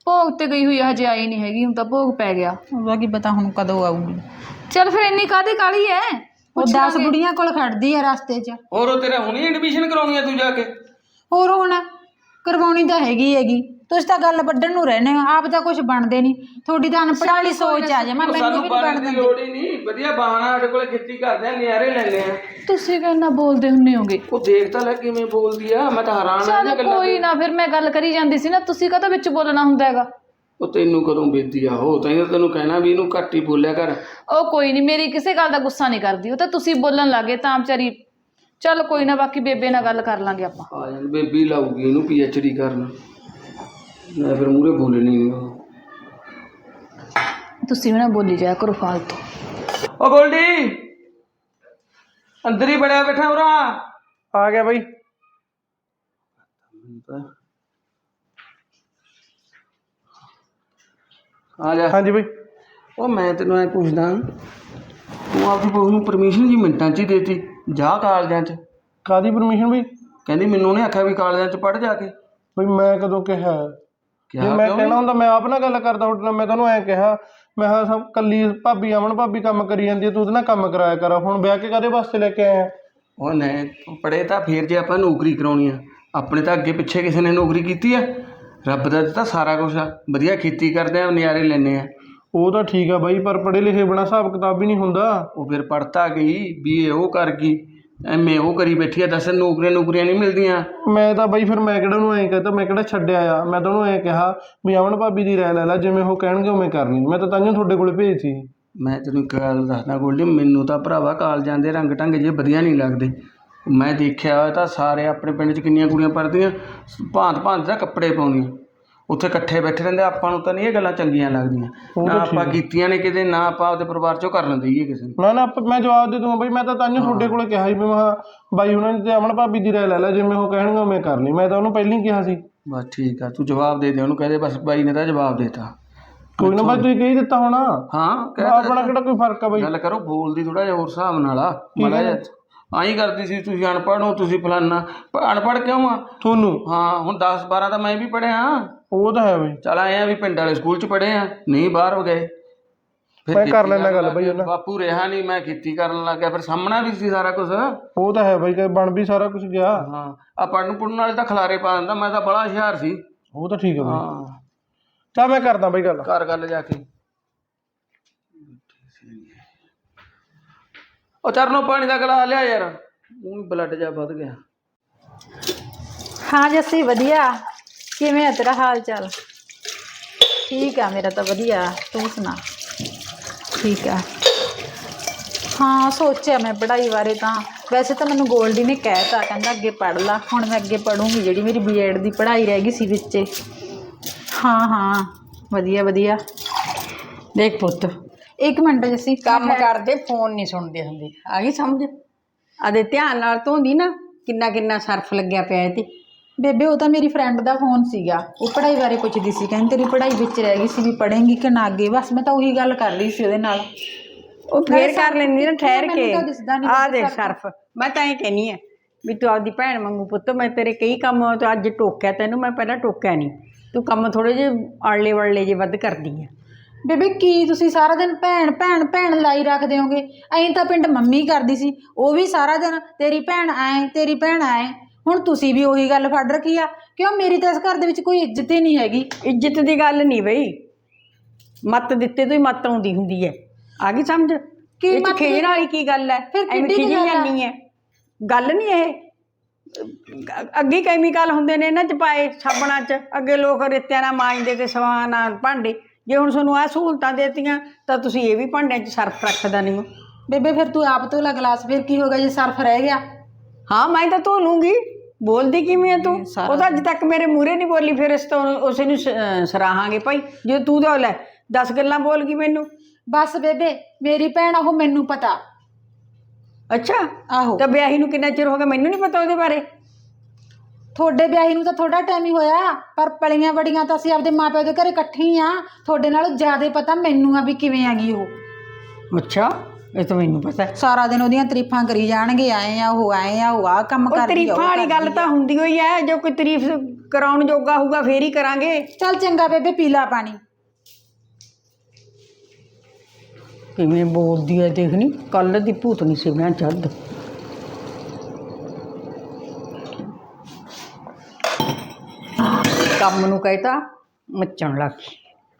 S1: ਭੋਗ ਤੇ ਗਈ ਹੋਈ ਆ, ਹਜੇ ਆਈ ਨਹੀਂ ਹੈਗੀ। ਹੁਣ ਤਾਂ ਭੋਗ ਪੈ ਗਿਆ।
S3: ਉਹਦਾ ਕੀ ਪਤਾ ਹੁਣ ਕਦੋਂ ਆਊਗੀ।
S1: ਚੱਲ ਫਿਰ ਇੰਨੀ ਕਾਹਦੀ ਕਾਹਲੀ ਐ?
S3: ਉਹ ਦਸ ਬੁੜੀਆਂ ਕੋਲ ਖੜਦੀ ਆ ਰਸਤੇ 'ਚ।
S4: ਹੋਰ ਉਹ ਤੇਰਾ ਹੁਣੀ ਐਡਮਿਸ਼ਨ ਕਰਾਉਣੀ ਆ ਤੂੰ ਜਾ ਕੇ?
S3: ਹੋਰ ਹੁਣ ਕਰਵਾਉਣੀ ਤਾਂ ਹੈਗੀ ਹੈਗੀ। ਤੁਸੀਂ ਤਾਂ ਗੱਲ ਵੱਢਣ ਨੂੰ ਰਹਿੰਦੇ ਹੋ, ਆਪ ਤਾਂ ਕੁਝ ਬਣਦੇ ਨਹੀਂ। ਤੁਹਾਡੀ ਤਾਂ ਅਨਪੜ੍ਹ ਵਾਲੀ ਸੋਚ ਆ ਜਾਵਾਂ, ਮੈਨੂੰ
S4: ਸਾਨੂੰ
S3: ਵੀ ਨਹੀਂ
S4: ਬਣਨ
S3: ਬਣ
S4: ਦੀ
S3: ਦਿੰਦੀ।
S4: ਲੋੜ ਹੀ ਨਹੀਂ, ਵਧੀਆ ਬਹਾਨਾ ਸਾਡੇ ਕੋਲੇ ਖੇਤੀ ਕਰਦੇ ਆ, ਨਿਆਰੇ ਲੈਂਦੇ ਆ।
S1: ਤੁਸੀਂ ਕਿੰਨਾ ਬੋਲਦੇ ਹੁੰਨੇ ਹੋਗੇ।
S4: ਉਹ ਦੇਖ ਤਾਂ ਲੈ ਕਿਵੇਂ ਬੋਲਦੀ ਆ, ਮੈਂ ਤਾਂ ਹੈਰਾਨ ਆ
S1: ਚੱਲ
S4: ਇਹਦੀਆਂ ਗੱਲਾਂ
S1: ਕੋਈ ਨਾ, ਫਿਰ ਮੈਂ ਗੱਲ ਕਰੀ ਜਾਂਦੀ ਸੀ ਨਾ, ਤੁਸੀਂ ਕਾਹਤੋਂ ਵਿੱਚ ਬੋਲਣਾ ਹੁੰਦਾ ਹੈਗਾ।
S4: ਉਹ ਤੈਨੂੰ ਕਦੋਂ ਬੇਦੀ ਆ ਉਹ ਤਾਂ ਤੈਨੂੰ ਕਹਿਣਾ ਵੀ ਇਹਨੂੰ ਘੱਟ ਹੀ ਬੋਲਿਆ ਕਰ।
S1: ਉਹ ਕੋਈ ਨਹੀਂ, ਮੇਰੀ ਕਿਸੇ ਗੱਲ ਦਾ ਗੁੱਸਾ ਨਹੀਂ ਕਰਦੀ। ਉਹ ਤਾਂ ਤੁਸੀਂ ਬੋਲਣ ਲੱਗੇ ਤਾਂ ਵਿਚਾਰੀ। ਚੱਲ ਕੋਈ ਨਾ, ਬਾਕੀ ਬੇਬੇ ਨਾਲ ਗੱਲ ਕਰ ਲਾਂਗੇ ਆਪਾਂ।
S4: ਆ ਜਾਣ ਬੇਬੀ ਲਾਊਗੀ ਇਹਨੂੰ ਪੀ ਐਚ ਡੀ ਕਰਨ, ਮੈਂ ਫਿਰ ਮੂਹਰੇ ਬੋਲਣੀ ਨਹੀਂ। ਉਹ
S1: ਤੁਸੀਂ ਵੀ ਨਾ ਬੋਲੀ ਜਾਇਆ ਕਰੋ ਫਾਲਤੂ।
S4: ਉਹ ਗੋਲਡੀ ਅੰਦਰ ਹੀ ਬੜਿਆ ਬੈਠਾ ਉਰਾ।
S5: ਆ ਗਿਆ ਬਾਈ।
S4: ਆ ਜਾ।
S5: ਹਾਂਜੀ ਬਾਈ।
S4: ਉਹ ਮੈਂ ਤੈਨੂੰ ਐ ਪੁੱਛਦਾ, ਤੂੰ ਆਪਦੀ ਬਹੂ ਨੂੰ ਪਰਮਿਸ਼ਨ ਜੀ ਮਿੰਟਾਂ 'ਚ ਹੀ ਦੇਤੀ ਜਾ ਕਾਲਜਾਂ 'ਚ?
S5: ਕਾਦੀ ਪਰਮਿਸ਼ਨ ਬਈ?
S4: ਕਹਿੰਦੀ ਮੈਨੂੰ ਉਹਨੇ ਆਖਿਆ ਵੀ ਕਾਲਜਾਂ 'ਚ ਪੜ੍ਹ ਜਾ ਕੇ।
S5: ਬਈ ਮੈਂ ਕਦੋਂ ਕਿਹਾ? ਜੇ ਮੈਂ ਕਹਿਣਾ ਹੁੰਦਾ ਮੈਂ ਆਪ ਨਾਲ ਗੱਲ ਕਰਦਾ ਤੁਹਾਡੇ ਨਾਲ। ਮੈਂ ਤੁਹਾਨੂੰ ਐਂ ਕਿਹਾ, ਮੈਂ ਕਿਹਾ ਸਭ ਕੱਲੀ ਭਾਬੀ ਅਮਨ ਭਾਬੀ ਕੰਮ ਕਰੀ ਜਾਂਦੀ ਹੈ, ਤੂੰ ਉਹਦੇ ਨਾਲ ਕੰਮ ਕਰਾਇਆ ਕਰ। ਹੁਣ ਵਿਆਹ ਕੇ ਕਾਹਦੇ ਵਾਸਤੇ ਲੈ ਕੇ ਆਇਆ?
S4: ਉਹ ਨਹੀਂ ਪੜ੍ਹੇ ਤਾਂ ਫਿਰ ਜੇ ਆਪਾਂ ਨੌਕਰੀ ਕਰਾਉਣੀ ਆ, ਆਪਣੇ ਤਾਂ ਅੱਗੇ ਪਿੱਛੇ ਕਿਸੇ ਨੇ ਨੌਕਰੀ ਕੀਤੀ ਆ? ਰੱਬ ਦਾ ਦਿੱਤਾ ਸਾਰਾ ਕੁਛ ਆ, ਵਧੀਆ ਖੇਤੀ ਕਰਦੇ ਆ, ਨਜ਼ਾਰੇ ਲੈਂਦੇ ਆ।
S5: ਉਹ ਤਾਂ ਠੀਕ ਆ ਬਾਈ, ਪਰ ਪੜ੍ਹੇ ਲਿਖੇ ਬਿਨਾਂ ਹਿਸਾਬ ਕਿਤਾਬ ਹੀ ਨਹੀਂ ਹੁੰਦਾ।
S4: ਉਹ ਫਿਰ ਪੜ੍ਹਤਾ ਗਈ, ਬੀ ਏ ਉਹ ਕਰ ਗਈ, ਐਮ ਏ ਉਹ ਕਰੀ ਬੈਠੀ ਆ। ਦੱਸ ਨੌਕਰੀਆਂ ਨੌਕਰੀਆਂ ਨਹੀਂ ਮਿਲਦੀਆਂ।
S5: ਮੈਂ ਤਾਂ ਬਾਈ ਫਿਰ ਮੈਂ ਕਿਹੜਾ ਉਹਨੂੰ ਐਂ ਕਹਤਾ, ਮੈਂ ਕਿਹੜਾ ਛੱਡਿਆ ਆ। ਮੈਂ ਤਾਂ ਉਹਨੂੰ ਐਂ ਕਿਹਾ ਵੀ ਅਮਨ ਭਾਬੀ ਦੀ ਰਾਏ ਲੈ ਲੈ, ਜਿਵੇਂ ਉਹ ਕਹਿਣਗੇ ਉਵੇਂ ਕਰਨੀ। ਮੈਂ ਤਾਂ ਤਾਂਹੀਓ ਤੁਹਾਡੇ ਕੋਲ ਭੇਜਤੀ।
S4: ਮੈਂ ਤੈਨੂੰ ਇੱਕ ਗੱਲ ਦੱਸਦਾ ਗੋਲਡੀ, ਮੈਨੂੰ ਤਾਂ ਭਰਾਵਾ ਕਾਲਜਾਂ ਦੇ ਰੰਗ ਢੰਗ ਜੇ ਵਧੀਆ ਨਹੀਂ ਲੱਗਦੇ। ਮੈਂ ਦੇਖਿਆ ਹੋਇਆ ਤਾਂ ਸਾਰੇ ਆਪਣੇ ਪਿੰਡ 'ਚ ਕਿੰਨੀਆਂ ਕੁੜੀਆਂ ਪੜ੍ਹਦੀਆਂ, ਭਾਂਤ ਭਾਂਤ ਦਾ ਕੱਪੜੇ ਪਾਉਂਦੀਆਂ, ਉੱਥੇ ਇਕੱਠੇ ਬੈਠੇ ਰਹਿੰਦੇ। ਆਪਾਂ ਨੂੰ ਤਾਂ ਨਹੀਂ ਇਹ ਗੱਲਾਂ ਚੰਗੀਆਂ ਲੱਗਦੀਆਂ, ਨਾ ਆਪਾਂ ਕੀਤੀਆਂ ਨੇ ਕਿਤੇ, ਨਾ ਆਪਾਂ ਆਪਦੇ ਪਰਿਵਾਰ 'ਚੋਂ ਕਰਨ ਦਈਏ ਕਿਸੇ ਨੂੰ।
S5: ਨਾ ਨਾ ਮੈਂ ਜਵਾਬ ਦੇ ਦੂੰਗਾ ਬਾਈ। ਮੈਂ ਤਾਂ ਤਾਂਹੀਓ ਤੁਹਾਡੇ ਕੋਲ ਕਿਹਾ ਸੀ ਵੀ ਮੈਂ ਬਾਈ ਉਹਨਾਂ ਨੇ ਤੇ ਅਮਨ ਭਾਬੀ ਦੀ ਰਾਏ ਲੈ ਲੈ, ਜਿਵੇਂ ਉਹ ਕਹਿਣਗੇ ਉਵੇਂ ਕਰ ਲਈ। ਮੈਂ ਤਾਂ ਉਹਨੂੰ ਪਹਿਲਾਂ ਹੀ ਕਿਹਾ ਸੀ।
S4: ਬਸ ਠੀਕ ਆ, ਤੂੰ ਜਵਾਬ ਦੇ ਦੇ ਉਹਨੂੰ, ਕਹਦੇ ਬਸ ਬਾਈ ਨੇ ਤਾਂ ਜਵਾਬ ਦੇਤਾ।
S5: ਕੋਈ ਨਾ ਬਾਈ, ਤੁਸੀਂ ਕਹੀ ਦਿੱਤਾ ਹੋਣਾ।
S4: ਹਾਂ
S5: ਆਪਣਾ ਕਿਹੜਾ ਕੋਈ ਫਰਕ ਆ ਬਾਈ?
S4: ਗੱਲ ਕਰੋ, ਬੋਲਦੀ ਥੋੜਾ ਜਿਹਾ ਹੋਰ ਹਿਸਾਬ ਨਾਲ ਆ। ਮਾੜਾ ਜਿਹਾ ਆਈ ਕਰਦੀ ਸੀ, ਤੁਸੀਂ ਅਨਪੜ੍ਹ ਹੋ, ਤੁਸੀਂ ਫਲਾਨਾ। ਅਨਪੜ੍ਹ ਕਿਉਂ ਆ
S5: ਤੁਹਾਨੂੰ?
S4: ਹਾਂ ਹੁਣ ਦਸ ਬਾਰਾਂ ਤਾਂ ਮੈਂ ਵੀ ਪੜ੍ਹਿਆ।
S5: ਉਹ ਤਾਂ ਹੈ ਬਾਈ।
S4: ਚੱਲ ਆਏ ਆ ਵੀ ਪਿੰਡ ਵਾਲੇ ਸਕੂਲ 'ਚ ਪੜ੍ਹੇ ਆ, ਨਹੀਂ ਬਾਹਰ ਹੋ ਗਏ।
S5: ਮੈਂ ਕਰ ਲੈਣਾ ਗੱਲ ਬਾਈ ਉਹਨਾਂ।
S4: ਬਾਪੂ ਰਿਹਾ ਨਹੀਂ, ਮੈਂ ਖੇਤੀ ਕਰਨ ਲੱਗ ਗਿਆ, ਫਿਰ ਸਾਹਮਣਾ ਵੀ ਸੀ ਸਾਰਾ ਕੁਝ।
S5: ਉਹ ਤਾਂ ਹੈ ਬਾਈ, ਕਿ ਬਣ ਵੀ ਸਾਰਾ ਕੁਝ ਗਿਆ।
S4: ਹਾਂ ਆ ਪੜ੍ਹਨ ਪੁੜਨ ਵਾਲੇ ਤਾਂ ਖਿਲਾਰੇ ਪਾ ਦਿੰਦਾ, ਮੈਂ ਤਾਂ ਬੜਾ ਹੁਸ਼ਿਆਰ ਸੀ।
S5: ਉਹ ਤਾਂ ਠੀਕ ਹੈ ਬਾਈ।
S4: ਹਾਂ
S5: ਚੱਲ ਮੈਂ ਕਰਦਾ ਬਾਈ ਗੱਲ।
S4: ਘਰ ਗੱਲ ਜਾ ਕੇ। ਉਹ ਚਰਨੋਂ ਪਾਣੀ ਦਾ ਗਲਾਸ ਲਿਆ ਯਾਰ, ਉਹ ਬਲੱਡ ਜਾ ਵੱਧ ਗਿਆ।
S3: ਹਾਂ ਜੱਸੀ ਵਧੀਆ। ਕਿਵੇਂ ਆ ਤੇਰਾ ਹਾਲ ਚਾਲ? ਠੀਕ ਆ ਮੇਰਾ ਤਾਂ ਵਧੀਆ, ਤੂੰ ਸੁਣਾ? ਠੀਕ ਆ। ਹਾਂ ਸੋਚਿਆ ਮੈਂ ਪੜ੍ਹਾਈ ਬਾਰੇ ਤਾਂ। ਵੈਸੇ ਤਾਂ ਮੈਨੂੰ ਗੋਲਡੀ ਨੇ ਕਹਿਤਾ, ਕਹਿੰਦਾ ਅੱਗੇ ਪੜ੍ਹ ਲਾ। ਹੁਣ ਮੈਂ ਅੱਗੇ ਪੜ੍ਹੂੰਗੀ, ਜਿਹੜੀ ਮੇਰੀ ਬੀ ਐਡ ਦੀ ਪੜ੍ਹਾਈ ਰਹਿ ਗਈ ਸੀ ਵਿੱਚੇ। ਹਾਂ ਹਾਂ ਵਧੀਆ ਵਧੀਆ। ਦੇਖ ਪੁੱਤ, ਇੱਕ ਮਿੰਟ ਜੱਸੀ,
S2: ਕੰਮ ਕਰਦੇ ਫੋਨ ਨਹੀਂ ਸੁਣਦੇ ਹੁੰਦੇ, ਆ ਗਈ ਸਮਝ? ਆਦੇ ਧਿਆਨ ਨਾਲ ਧੋਂਦੀ ਨਾ, ਕਿੰਨਾ ਕਿੰਨਾ ਸਰਫ ਲੱਗਿਆ ਪਿਆ ਇਹ ਤੇ।
S3: ਬੇਬੇ ਉਹ ਤਾਂ ਮੇਰੀ ਫਰੈਂਡ ਦਾ ਫੋਨ ਸੀਗਾ, ਉਹ ਪੜ੍ਹਾਈ ਬਾਰੇ ਪੁੱਛਦੀ ਸੀ। ਕਹਿੰਦੀ ਤੇਰੀ ਪੜ੍ਹਾਈ ਵਿੱਚ ਰਹਿ ਗਈ ਸੀ, ਵੀ ਪੜ੍ਹੇਂਗੀ ਕਿ ਨਾ ਅੱਗੇ। ਬਸ ਮੈਂ ਤਾਂ ਉਹੀ ਗੱਲ ਕਰ ਰਹੀ ਸੀ ਉਹਦੇ ਨਾਲ।
S2: ਉਹ ਫੇਰ ਕਰ ਲੈਂਦੀ ਨਾ ਠਹਿਰ ਕੇ।
S3: ਮੈਨੂੰ ਤਾਂ ਦਿਸਦਾ ਨੀ
S2: ਆ ਦੇਖ ਸਰਫ, ਮੈਂ ਤਾਂ ਇਹ ਕਹਿੰਦੀ ਆ ਵੀ ਤੂੰ ਆਪਦੀ ਭੈਣ ਵਾਂਗੂ ਪੁੱਤ। ਮੈਂ ਤੇਰੇ ਕਈ ਕੰਮ ਤੋਂ ਅੱਜ ਟੋਕਿਆ ਤੈਨੂੰ, ਮੈਂ ਪਹਿਲਾਂ ਟੋਕਿਆ ਨਹੀਂ। ਤੂੰ ਕੰਮ ਥੋੜ੍ਹੇ ਜਿਹੇ ਆਲੇ ਵੜਲੇ ਜੇ ਵੱਧ ਕਰਦੀ ਆ।
S3: ਬੇਬੇ ਕੀ ਤੁਸੀਂ ਸਾਰਾ ਦਿਨ ਭੈਣ ਭੈਣ ਭੈਣ ਲਾਈ ਰੱਖਦੇ ਹੋਗੇ? ਐਂ ਤਾਂ ਪਿੰਡ ਮੰਮੀ ਕਰਦੀ ਸੀ, ਉਹ ਵੀ ਸਾਰਾ ਦਿਨ ਤੇਰੀ ਭੈਣ ਐਂ ਤੇਰੀ ਭੈਣ ਐਂ। ਹੁਣ ਤੁਸੀਂ ਵੀ ਉਹੀ ਗੱਲ ਫੜ ਰੱਖੀ ਆ। ਕਿਉਂ ਮੇਰੀ ਤਾਂ ਇਸ ਘਰ ਦੇ ਵਿੱਚ ਕੋਈ ਇੱਜ਼ਤ ਹੀ ਨਹੀਂ ਹੈਗੀ।
S2: ਇੱਜ਼ਤ ਦੀ ਗੱਲ ਨਹੀਂ ਬਈ, ਮੱਤ ਦਿੱਤੇ ਤੋਂ ਹੀ ਮੱਤ ਆਉਂਦੀ ਹੁੰਦੀ ਹੈ। ਆ ਗਈ ਸਮਝ?
S3: ਕੀ
S2: ਮੱਤ ਖੇਜਣ ਵਾਲੀ ਕੀ ਗੱਲ ਹੈ? ਐਵੇਂ ਖਿਜੀ ਜਾਂਦੀ ਹੈ, ਗੱਲ ਨਹੀਂ ਇਹ। ਅੱਗੇ ਕੈਮੀਕਲ ਹੁੰਦੇ ਨੇ ਇਹਨਾਂ 'ਚ ਪਾਏ ਸਾਬਣਾਂ 'ਚ। ਅੱਗੇ ਲੋਕ ਰੇਤਿਆਂ ਨਾਲ ਮਾਂਜਦੇ ਤੇ ਸਵਾਂ ਨਾਲ ਭਾਂਡੇ। ਜੇ ਹੁਣ ਤੁਹਾਨੂੰ ਆਹ ਸਹੂਲਤਾਂ ਦੇਤੀਆਂ ਤਾਂ ਤੁਸੀਂ ਇਹ ਵੀ ਭਾਂਡਿਆਂ 'ਚ ਸਰਫ ਰੱਖਦਾ ਨਹੀਂ ਹੋ।
S3: ਬੇਬੇ ਫਿਰ ਤੂੰ ਆਪ ਧੋ ਲੈ ਗਲਾਸ, ਫਿਰ ਕੀ ਹੋਗਾ ਜੇ ਸਰਫ ਰਹਿ ਗਿਆ?
S2: ਹਾਂ ਮੈਂ ਤਾਂ ਧੋ ਲੂੰਗੀ। ਬੋਲਦੀ ਕਿਵੇਂ ਆ ਤੂੰ? ਉਹ ਤਾਂ ਅੱਜ ਤੱਕ ਮੇਰੇ ਮੂਹਰੇ ਨਹੀਂ ਬੋਲੀ, ਫਿਰ ਇਸ ਤੋਂ ਉਸੇ ਨੂੰ ਸਰਾਹਾਂਗੇ ਭਾਈ। ਜੇ ਤੂੰ ਤਾਂ ਲੈ ਦਸ ਗੱਲਾਂ ਬੋਲ ਗਈ ਮੈਨੂੰ।
S3: ਬਸ ਬੇਬੇ ਮੇਰੀ ਭੈਣ ਉਹ, ਮੈਨੂੰ ਪਤਾ।
S2: ਅੱਛਾ
S3: ਆਹੋ।
S2: ਤਾਂ ਵਿਆਹੀ ਨੂੰ ਕਿੰਨਾ ਚਿਰ ਹੋ ਗਿਆ? ਮੈਨੂੰ ਨਹੀਂ ਪਤਾ ਉਹਦੇ ਬਾਰੇ।
S3: ਤੁਹਾਡੇ ਵਿਆਹੀ ਨੂੰ ਤਾਂ ਥੋੜਾ ਟਾਈਮ ਹੀ ਹੋਇਆ, ਪਰ ਪਲੀਆਂ ਬੜੀਆਂ ਤਾਂ ਅਸੀਂ ਆਪਦੇ ਮਾਪਿਆਂ ਦੇ ਘਰੇ ਇਕੱਠੇ ਹੀ ਆ। ਤੁਹਾਡੇ ਨਾਲੋਂ ਜ਼ਿਆਦਾ ਪਤਾ ਮੈਨੂੰ ਆ ਵੀ ਕਿਵੇਂ ਆ ਗਈ ਉਹ।
S2: ਅੱਛਾ ਇਹ ਤਾਂ ਮੈਨੂੰ ਪਤਾ ਹੈ।
S3: ਸਾਰਾ ਦਿਨ ਉਹਦੀਆਂ ਤਾਰੀਫਾਂ ਕਰੀ ਜਾਣਗੇ, ਆਏ ਆ ਉਹ ਆਏ ਆ ਉਹ ਆ ਕੰਮ
S2: ਉਹ
S3: ਕਰਦੀ ਆ
S2: ਤਾਰੀਫਾਂ
S3: ਉਹ
S2: ਵਾਲੀ ਗੱਲ
S3: ਕਰਦੀ
S2: ਤਾਂ
S3: ਆ।
S2: ਹੁੰਦੀ ਹੋਈ ਹੈ, ਜੋ ਕੋਈ ਤਾਰੀਫ ਕਰਾਉਣ ਜੋਗਾ ਹੋਊਗਾ ਫੇਰ ਹੀ ਕਰਾਂਗੇ।
S3: ਚੱਲ ਚੰਗਾ ਬੇਬੇ ਪੀ ਲਾ ਪਾਣੀ।
S2: ਕਿਵੇਂ ਬੋਲਦੀ ਹੈ ਦੇਖਣੀ, ਕੱਲ ਦੀ ਭੂਤਨੀ ਸੀ ਮੈਂ ਜਦ। ਕੰਮ ਨੂੰ ਕਹਿਤਾ ਮੱਚਣ ਲੱਗ ਗਈ।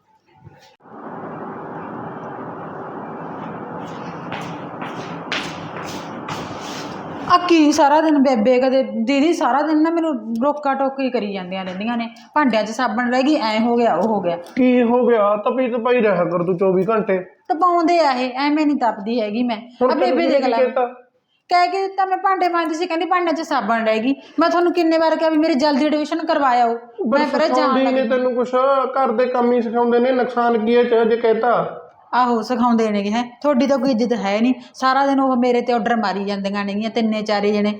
S3: ਆ ਕੀ ਸਾਰਾ ਦਿਨ ਬੇਬੇ ਕਦੇ ਦੀਦੀ ਸਾਰਾ ਦਿਨ ਨਾ ਮੈਨੂੰ ਰੋਕਾ ਟੋਕੀ ਕਰੀ ਜਾਂਦੀਆਂ ਰਹਿੰਦੀਆਂ ਨੇ, ਭਾਂਡਿਆਂ 'ਚ ਸਾਬਣ ਰਹਿ ਗਈ, ਐ ਹੋ ਗਿਆ ਉਹ ਹੋ ਗਿਆ।
S5: ਕੀ ਹੋ ਗਿਆ? ਤਪੀ ਤਪਾਈ ਰਿਹਾ ਕਰ ਤੂੰ ਚੌਵੀ ਘੰਟੇ।
S3: ਤਪਾਉਂਦੇ ਆ ਇਹ, ਐਵੇਂ ਨਹੀਂ ਤਪਦੀ ਹੈਗੀ ਮੈਂ। ਆ ਬੇਬੇ ਦੇਖ ਲੈ, ਕਹਿ ਕੇ ਦਿੱਤਾ ਮੈਂ ਭਾਂਡੇ ਮਾਂਜਦੀ ਸੀ, ਕਹਿੰਦੀ ਭਾਂਡਿਆਂ 'ਚ ਸਾਬਣ ਰਹਿ ਗਈ। ਮੈਂ ਤੁਹਾਨੂੰ ਕਿੰਨੇ ਵਾਰ ਕਿਹਾ ਵੀ ਮੇਰੀ ਜਲਦੀ ਐਡਮਿਸ਼ਨ ਕਰਵਾਇਓ, ਮੈਂ ਫਿਰ ਜਾਣ
S5: ਨੇ
S3: ਲੱਗੀ।
S5: ਤੈਨੂੰ ਕੁਛ ਘਰ ਦੇ ਕੰਮ ਹੀ ਸਿਖਾਉਂਦੇ ਨੇ, ਨੁਕਸਾਨ ਕੀ ਹੈ ਚ ਜੇ ਕਹਿਤਾ।
S3: ਆਹੋ ਸਿਖਾਉਂਦੇ ਨੇਗੇ ਹੈ, ਤੁਹਾਡੀ ਤਾਂ ਕੋਈ ਇੱਜ਼ਤ ਹੈ ਨਹੀਂ। ਸਾਰਾ ਦਿਨ ਉਹ ਮੇਰੇ ਤੇ ਆਰਡਰ ਮਾਰੀ ਜਾਂਦੀਆਂ ਨੇਗੀਆਂ ਤਿੰਨੇ ਚਾਰੇ ਜਣੇ।